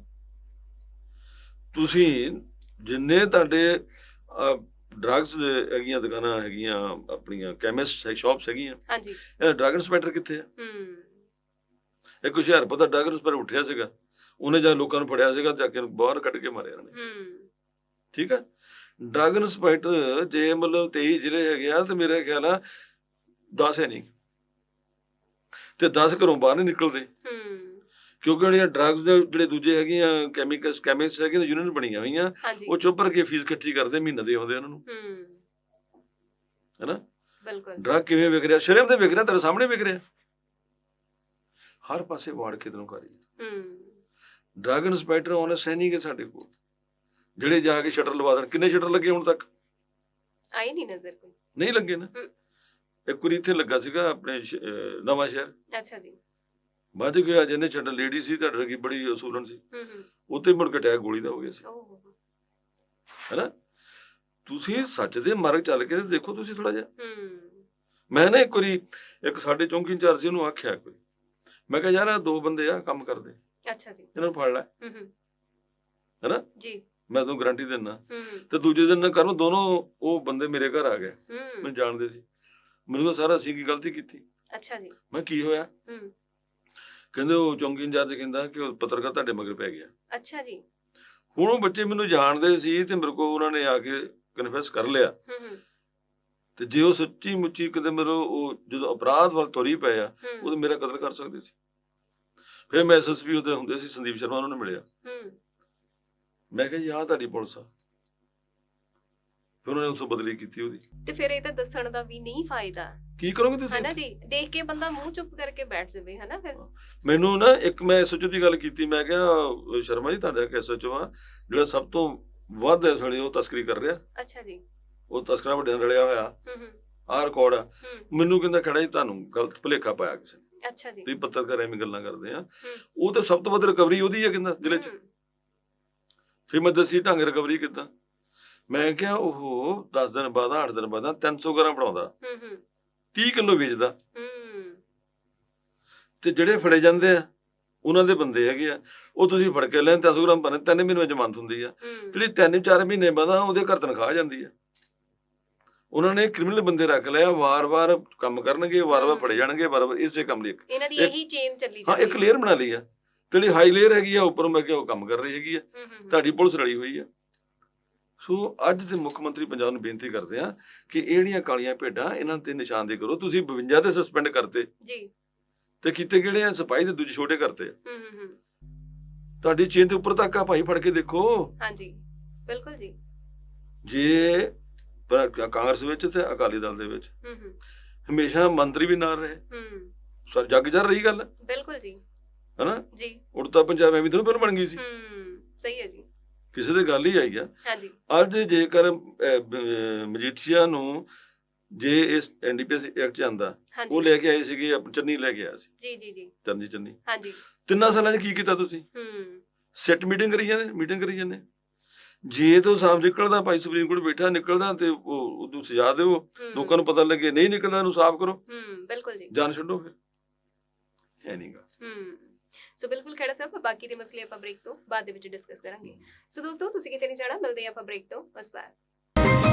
Speaker 2: ਤੁਸੀਂ ਜਿੰਨੇ ਤੁਹਾਡੇ ਡਰੱਗਸ ਹੈਗੀਆਂ ਦੁਕਾਨਾਂ ਹੈਗੀਆਂ, ਆਪਣੀਆਂ ਕੈਮਿਸਟ ਸ਼ਾਪਸ ਹੈਗੀਆਂ,
Speaker 1: ਹਾਂਜੀ
Speaker 2: ਇਹ ਡਰੱਗ ਇੰਸਪੈਕਟਰ ਕਿੱਥੇ ਆ?
Speaker 1: ਹੂੰ
Speaker 2: ਇੱਕ ਹੁਸ਼ਿਆਰਪੁਰ ਦਾ ਡਰੱਗ ਇੰਸਪੈਕਟਰ ਉੱਠਿਆ ਸੀਗਾ, ਉਹਨੇ ਜਾਂ ਲੋਕਾਂ ਨੂੰ ਫੜਿਆ ਸੀਗਾ, ਜਾ ਕੇ ਬਾਹਰ ਕੱਢ ਕੇ ਮਾਰਿਆ ਉਹਨੇ।
Speaker 1: ਹੂੰ
Speaker 2: ਠੀਕ ਆ। ਡਰੱਗ ਇੰਸਪੈਕਟਰ ਜੇ ਮਤਲਬ ਤੇਈ ਜ਼ਿਲ੍ਹੇ ਹੈਗੇ ਆ ਤੇ ਮੇਰੇ ਖਿਆਲ ਆ ਦਸ ਹੈ ਨਹੀਂ, ਤੇ ਦਸ ਘਰੋਂ ਬਾਹਰ ਨਹੀਂ ਨਿਕਲਦੇ,
Speaker 1: ਹੂੰ
Speaker 2: ਕਿਉਂਕਿ ਜਿਹੜੀਆਂ ਡਰੱਗਸ ਦੇ ਜਿਹੜੇ ਦੂਜੇ ਹੈਗੀਆਂ ਕੈਮੀਕਲਸ ਕੈਮਿਸਟ ਹੈਗੀਆਂ ਯੂਨੀਅਨ ਬਣੀਆਂ ਹੋਈਆਂ,
Speaker 1: ਹਾਂਜੀ
Speaker 2: ਉਹ ਚੁੱਪ ਕਰਕੇ ਫੀਸ ਇਕੱਠੀ ਕਰਦੇ, ਮਹੀਨੇ ਦੇ ਆਉਂਦੇ ਉਹਨਾਂ ਨੂੰ,
Speaker 1: ਹੂੰ
Speaker 2: ਹੈਨਾ।
Speaker 1: ਬਿਲਕੁਲ
Speaker 2: ਡਰੱਗ ਕਿਵੇਂ ਵਿਕ ਰਿਹਾ? ਸ਼ਰਮ ਦੇ ਵਿਕ ਰਿਹਾ, ਤੇਰੇ ਸਾਹਮਣੇ ਵਿਕ ਰਿਹਾ, ਹਰ ਪਾਸੇ ਵਾੜ ਖੇਤਰੋਂ ਕਰੀ।
Speaker 1: ਹੂੰ
Speaker 2: ਡਰੱਗ ਇੰਸਪੈਕਟਰ ਆਉਣੇ ਸੈਨਿਕ ਹੈ ਸਾਡੇ ਕੋਲ, ਜਿਹੜੇ ਜਾ ਕੇ ਸ਼ਟਰ ਲਵਾ ਦੇਣ। ਕਿੰਨੇ ਸ਼ਟਰ ਲੱਗੇ ਹੁਣ ਤੱਕ?
Speaker 1: ਆਈ ਨਹੀਂ ਨਜ਼ਰ ਕੋਈ।
Speaker 2: ਨਹੀਂ ਲੱਗੇ ਨਾ।
Speaker 1: ਹੂੰ।
Speaker 2: ਇੱਕ ਵਾਰੀ ਇੱਥੇ ਲੱਗਾ ਸੀਗਾ ਆਪਣੇ ਸ਼- ਅਹ ਨਵਾਂ ਸ਼ਹਿਰ,
Speaker 1: ਅੱਛਾ ਜੀ
Speaker 2: ਵੱਧ ਗਿਆ ਜਿਹਨੇ ਛੱਡਣ, ਲੇਡੀ ਸੀ, ਤੁਹਾਡੇ ਵਰਗੀ ਬੜੀ ਅਸੂਲਨ ਸੀ,
Speaker 1: ਹੂੰ ਹੂੰ
Speaker 2: ਉੱਥੇ ਮੁੜ ਕੇ ਅਟੈਕ ਗੋਲੀ ਦਾ ਹੋ ਗਿਆ ਸੀ,
Speaker 1: ਓਹ
Speaker 2: ਹੈਨਾ। ਤੁਸੀਂ ਸੱਚ ਦੇ ਮਾਰਗ ਚੱਲ ਕੇ ਤੇ ਦੇਖੋ ਤੁਸੀਂ ਥੋੜਾ ਜਿਹਾ।
Speaker 1: ਹੂੰ
Speaker 2: ਮੈਂ ਨਾ ਇੱਕ ਵਾਰੀ ਇੱਕ ਸਾਡੇ ਚੌਂਕੀ ਇੰਚਾਰਜ ਸੀ, ਉਹਨੂੰ ਆਖਿਆ ਕੋਈ, ਮੈਂ ਕਿਹਾ ਯਾਰ ਆਹ ਦੋ ਬੰਦੇ ਆ ਕੰਮ ਕਰਦੇ,
Speaker 1: ਅੱਛਾ ਜੀ
Speaker 2: ਇਹਨਾਂ ਨੂੰ ਫੜ ਲੈ,
Speaker 1: ਹੂੰ ਹੂੰ
Speaker 2: ਹੈਨਾ,
Speaker 1: ਜੀ
Speaker 2: ਮੈਂ ਤੁਹਾਨੂੰ ਗਾਰੰਟੀ ਦਿੰਦਾ।
Speaker 1: ਹੂੰ
Speaker 2: ਤੇ ਦੂਜੇ ਦਿਨ ਕਰਨ ਦੋਨੋਂ ਉਹ ਬੰਦੇ ਮੇਰੇ ਘਰ ਆ ਗਏ,
Speaker 1: ਹੂੰ
Speaker 2: ਮੈਨੂੰ ਜਾਣਦੇ ਸੀ। ਮੈਨੂੰ ਤਾਂ ਸਾਰਾ ਅਸੀਂ ਕੀ ਗਲਤੀ ਕੀਤੀ।
Speaker 1: ਅੱਛਾ ਜੀ
Speaker 2: ਮੈਂ ਕੀ ਹੋਇਆ?
Speaker 1: ਹੂੰ
Speaker 2: ਕਹਿੰਦੇ ਉਹ ਚੌਂਕੀ ਇੰਚਾਰਜ ਕਹਿੰਦਾ ਕਿ ਉਹ ਪੱਤਰਕਾਰ ਤੁਹਾਡੇ ਮਗਰ ਪੈ ਗਿਆ।
Speaker 1: ਅੱਛਾ ਜੀ
Speaker 2: ਹੁਣ ਉਹ ਬੱਚੇ ਮੈਨੂੰ ਜਾਣਦੇ ਸੀ ਤੇ ਮੇਰੇ ਕੋਲ ਉਹਨਾਂ ਨੇ ਆ ਕੇ ਕਨਫੈਸ ਕਰ ਲਿਆ,
Speaker 1: ਹੂੰ ਹੂੰ
Speaker 2: ਤੇ ਜੇ ਉਹ ਸੱਚੀ ਮੁੱਚੀ ਕਿਤੇ ਮੇਰੇ ਉਹ ਜਦੋਂ ਅਪਰਾਧ ਵੱਲ ਤੁਰੀ ਪਏ ਆ, ਉਹ
Speaker 1: ਹੂੰ
Speaker 2: ਤਾਂ ਮੇਰਾ ਕਤਲ ਕਰ ਸਕਦੇ ਸੀ। ਫਿਰ ਮੈਂ ਐਸਐਸਪੀ ਉਹਦੇ ਹੁੰਦੇ ਸੀ ਸੰਦੀਪ ਸ਼ਰਮਾ, ਉਹਨਾਂ ਨੂੰ ਮਿਲਿਆ,
Speaker 1: ਹੂੰ
Speaker 2: ਮੈਂ ਕਿਹਾ ਜੀ ਆਹ ਤੁਹਾਡੀ ਪੁਲਿਸ ਆ। ਫਿਰ ਉਹਨਾਂ ਨੇ ਉਸ ਤੋਂ ਬਦਲੀ ਕੀਤੀ ਉਹਦੀ।
Speaker 1: ਤੇ ਫਿਰ ਇਹ ਤਾਂ ਦੱਸਣ ਦਾ ਵੀ ਨਹੀਂ ਫਾਇਦਾ,
Speaker 2: ਕੀ ਕਰੋਗੇ ਤੁਸੀਂ?
Speaker 1: ਹਨਾ ਜੀ। ਦੇਖ ਕੇ ਬੰਦਾ ਮੂੰਹ ਚੁੱਪ ਕਰਕੇ ਬੈਠ ਜਾਵੇ, ਹਨਾ। ਫਿਰ
Speaker 2: ਮੈਨੂੰ ਨਾ ਇੱਕ ਮੈਂ ਐਸਐਚਓ ਦੀ ਗੱਲ ਕੀਤੀ, ਮੈਂ ਕਿਹਾ ਸ਼ਰਮਾ ਜੀ ਤੁਹਾਡਾ ਇੱਕ ਐਸਐਚਓ ਆ ਜਿਹੜਾ ਸਭ ਤੋਂ ਵੱਧ ਇਸ ਵੇਲੇ ਉਹ ਤਸਕਰੀ ਕਰ ਰਿਹਾ,
Speaker 1: ਅੱਛਾ ਜੀ
Speaker 2: ਉਹ ਤਸਕਰਾਂ ਵੱਡਿਆਂ ਨਾਲ ਰਲਿਆ ਹੋਇਆ,
Speaker 1: ਹੂੰ ਹੂੰ
Speaker 2: ਆਹ ਰਿਕਾਰਡ ਆ।
Speaker 1: ਹੂੰ
Speaker 2: ਮੈਨੂੰ ਕਹਿੰਦਾ ਖੜਾ ਜੀ ਤੁਹਾਨੂੰ ਗਲਤ ਭੁਲੇਖਾ ਪਾਇਆ ਕਿਸੇ ਨੇ,
Speaker 1: ਅੱਛਾ ਜੀ
Speaker 2: ਤੁਸੀਂ ਪੱਤਰਕਾਰ ਐਵੇਂ ਗੱਲਾਂ ਕਰਦੇ ਆ।
Speaker 1: ਹੂੰ
Speaker 2: ਉਹ ਤਾਂ ਸਭ ਤੋਂ ਵੱਧ ਰਿਕਵਰੀ ਉਹਦੀ ਹੈ ਕਹਿੰਦਾ ਜ਼ਿਲ੍ਹੇ 'ਚ।
Speaker 1: ਹੂੰ,
Speaker 2: ਫਿਰ ਮੈਂ ਦੱਸੀ ਢੰਗ ਰਿਕਵਰੀ ਕਿੱਦਾਂ। ਮੈਂ ਕਿਹਾ ਉਹ ਦਸ ਦਿਨ ਬਾਅਦ ਅੱਠ ਦਿਨ ਬਾਅਦ ਤਿੰਨ ਸੌ ਗ੍ਰਾਮ ਬਣਾਉਂਦਾ,
Speaker 1: ਹੂੰ ਹੂੰ
Speaker 2: ਤੀਹ ਕਿਲੋ ਵੇਚਦਾ,
Speaker 1: ਹੂੰ
Speaker 2: ਤੇ ਜਿਹੜੇ ਫੜੇ ਜਾਂਦੇ ਆ ਉਹਨਾਂ ਦੇ ਬੰਦੇ ਹੈਗੇ ਆ, ਉਹ ਤੁਸੀਂ ਫੜ ਕੇ ਲੈ ਤਿੰਨ ਸੌ ਗ੍ਰਾਮ ਬਣੇ, ਤਿੰਨ ਮਹੀਨੇ ਜ਼ਮਾਨਤ ਹੁੰਦੀ ਆ।
Speaker 1: ਹੂੰ
Speaker 2: ਜਿਹੜੀ ਤਿੰਨ ਚਾਰ ਮਹੀਨੇ ਬਾਅਦ ਆ ਉਹਦੇ ਘਰ ਤਨਖਾਹ ਆ ਜਾਂਦੀ ਆ। ਉਹਨਾਂ ਨੇ ਕ੍ਰਿਮੀਨਲ ਬੰਦੇ ਰੱਖ ਲਿਆ, ਵਾਰ-ਵਾਰ ਕੰਮ ਕਰਨਗੇ, ਵਾਰ-ਵਾਰ ਫੜੇ ਜਾਣਗੇ, ਵਾਰ-ਵਾਰ ਇਸੇ ਕੰਮ ਲਈ।
Speaker 1: ਇਹਨਾਂ ਦੀ
Speaker 2: ਇੱਕ-
Speaker 1: ਇਹੀ ਚੇਨ ਚੱਲੀ
Speaker 2: ਹਾਂ,
Speaker 1: ਜਾਂਦੀ
Speaker 2: ਇੱਕ ਲੇਅਰ ਬਣਾ ਲਈ ਆ, ਤੇ ਜਿਹੜੀ ਹਾਈ ਲੇਅਰ ਹੈਗੀ ਆ ਉੱਪਰੋਂ ਮੈਂ ਕਿਹਾ ਉਹ ਕੰਮ ਕਰ ਰਹੀ ਹੈਗੀ ਆ,
Speaker 1: ਹੂੰ ਹੂੰ
Speaker 2: ਤੁਹਾਡੀ ਪੁਲਿਸ ਰਲੀ ਹੋਈ ਆ। ਸੋ ਅੱਜ ਦੇ ਮੁੱਖ ਮੰਤਰੀ ਪੰਜਾਬ ਨੂੰ ਬੇਨਤੀ ਕਰਦੇ ਆ ਕਿ ਇਹ ਜਿਹੜੀਆਂ ਕਾਲੀਆਂ ਭੇਡਾਂ ਇਹਨਾਂ ਤੇ ਨਿਸ਼ਾਨਦੇਹੀ ਕਰੋ। ਤੁਸੀਂ ਬਵੰਜਾ ਤੇ ਸਸਪੈਂਡ ਕਰਤੇ,
Speaker 1: ਜੀ
Speaker 2: ਤੇ ਕੀਤੇ ਕਿਹੜੇ ਆ? ਸਿਪਾਹੀ ਦੇ ਦੂਜੇ ਛੋਟੇ ਕਰਤੇ ਆ।
Speaker 1: ਹੂੰ ਹੂੰ ਹੂੰ
Speaker 2: ਤੁਹਾਡੀ ਚੇਨ ਦੇ ਉੱਪਰ ਤੱਕ ਆ ਭਾਈ, ਫੜ ਕੇ ਦੇਖੋ।
Speaker 1: ਹਾਂਜੀ ਬਿਲਕੁਲ ਜੀ
Speaker 2: ਜੇ ਪਰ ਕਾਂਗਰਸ ਵਿੱਚ ਤੇ ਅਕਾਲੀ ਦਲ ਦੇ ਵਿੱਚ
Speaker 1: ਹੂੰ ਹੂੰ
Speaker 2: ਹਮੇਸ਼ਾ ਮੰਤਰੀ ਵੀ ਨਾਲ ਰਹੇ,
Speaker 1: ਹੂੰ
Speaker 2: ਸਰ ਜੱਗ ਜਰ ਰਹੀ ਗੱਲ,
Speaker 1: ਬਿਲਕੁਲ ਜੀ
Speaker 2: ਹਨਾ।
Speaker 1: ਜੀ
Speaker 2: ਉੜਤਾ ਪੰਜਾਬ ਐਵੇਂ ਤਾਂ ਪਹਿਲਾਂ ਬਣ ਗਈ ਸੀ,
Speaker 1: ਹੂੰ ਸਹੀ ਹੈ ਜੀ
Speaker 2: ਕਿਸੇ ਦੇ ਗੱਲ ਹੀ ਆਈ ਆ।
Speaker 1: ਹਾਂਜੀ
Speaker 2: ਅੱਜ ਜੇਕਰ ਅਹ, ਬ- ਮਜੀਠੀਆ ਨੂੰ ਜੇ ਇਸ ਐਨਡੀਪੀਐਸ ਐਕਟ ਚ ਆਂਦਾ, ਉਹ
Speaker 1: ਹਾਂਜੀ
Speaker 2: ਲੈ ਕੇ ਆਏ ਸੀਗੇ, ਆਪ- ਚੰਨੀ ਲੈ ਕੇ ਆਇਆ ਸੀ,
Speaker 1: ਜੀ ਜੀ ਜੀ
Speaker 2: ਚੰਨੀ ਚੰਨੀ।
Speaker 1: ਹਾਂਜੀ
Speaker 2: ਤਿੰਨਾਂ ਸਾਲਾਂ 'ਚ ਕੀ ਕੀਤਾ ਤੁਸੀਂ?
Speaker 1: ਹੂੰ
Speaker 2: ਸੈੱਟ ਮੀਟਿੰਗ ਕਰੀ ਜਾਂਦੇ, ਮੀਟਿੰਗ ਕਰੀ ਜਾਂਦੇ। ਜੇ ਤੋਂ ਸਾਫ਼ ਨਿਕਲਦਾ, ਭਾਈ ਸੁਪਰੀਮ ਕੋਰਟ ਬੈਠਾ ਨਿਕਲਦਾ, ਤੇ ਉਹ ਉਹਨੂੰ ਸਜ਼ਾ ਦਿਓ,
Speaker 1: ਹੂੰ
Speaker 2: ਲੋਕਾਂ ਨੂੰ ਪਤਾ ਲੱਗੇ। ਨਹੀਂ ਨਿਕਲਦਾ ਉਹਨੂੰ ਸਾਫ਼ ਕਰੋ,
Speaker 1: ਹੂੰ ਬਿਲਕੁਲ ਜੀ
Speaker 2: ਜਾਨ ਛੱਡੋ। ਫਿਰ ਹੈ ਨਹੀਂਗਾ।
Speaker 1: ਹੂੰ ਸੋ ਬਿਲਕੁਲ ਖੜਾ ਸਾਹਿਬ, ਬਾਕੀ ਦੇ ਮਸਲੇ ਆਪਾਂ ਬ੍ਰੇਕ ਤੋਂ ਬਾਅਦ ਦੇ ਵਿੱਚ ਡਿਸਕਸ ਕਰਾਂਗੇ। ਸੋ ਦੋਸਤੋ ਤੁਸੀਂ ਕਿਤੇ ਨਹੀਂ ਜਾਣਾ, ਮਿਲਦੇ ਆਪਾਂ ਬ੍ਰੇਕ ਤੋਂ ਬਸ ਬਾਅਦ।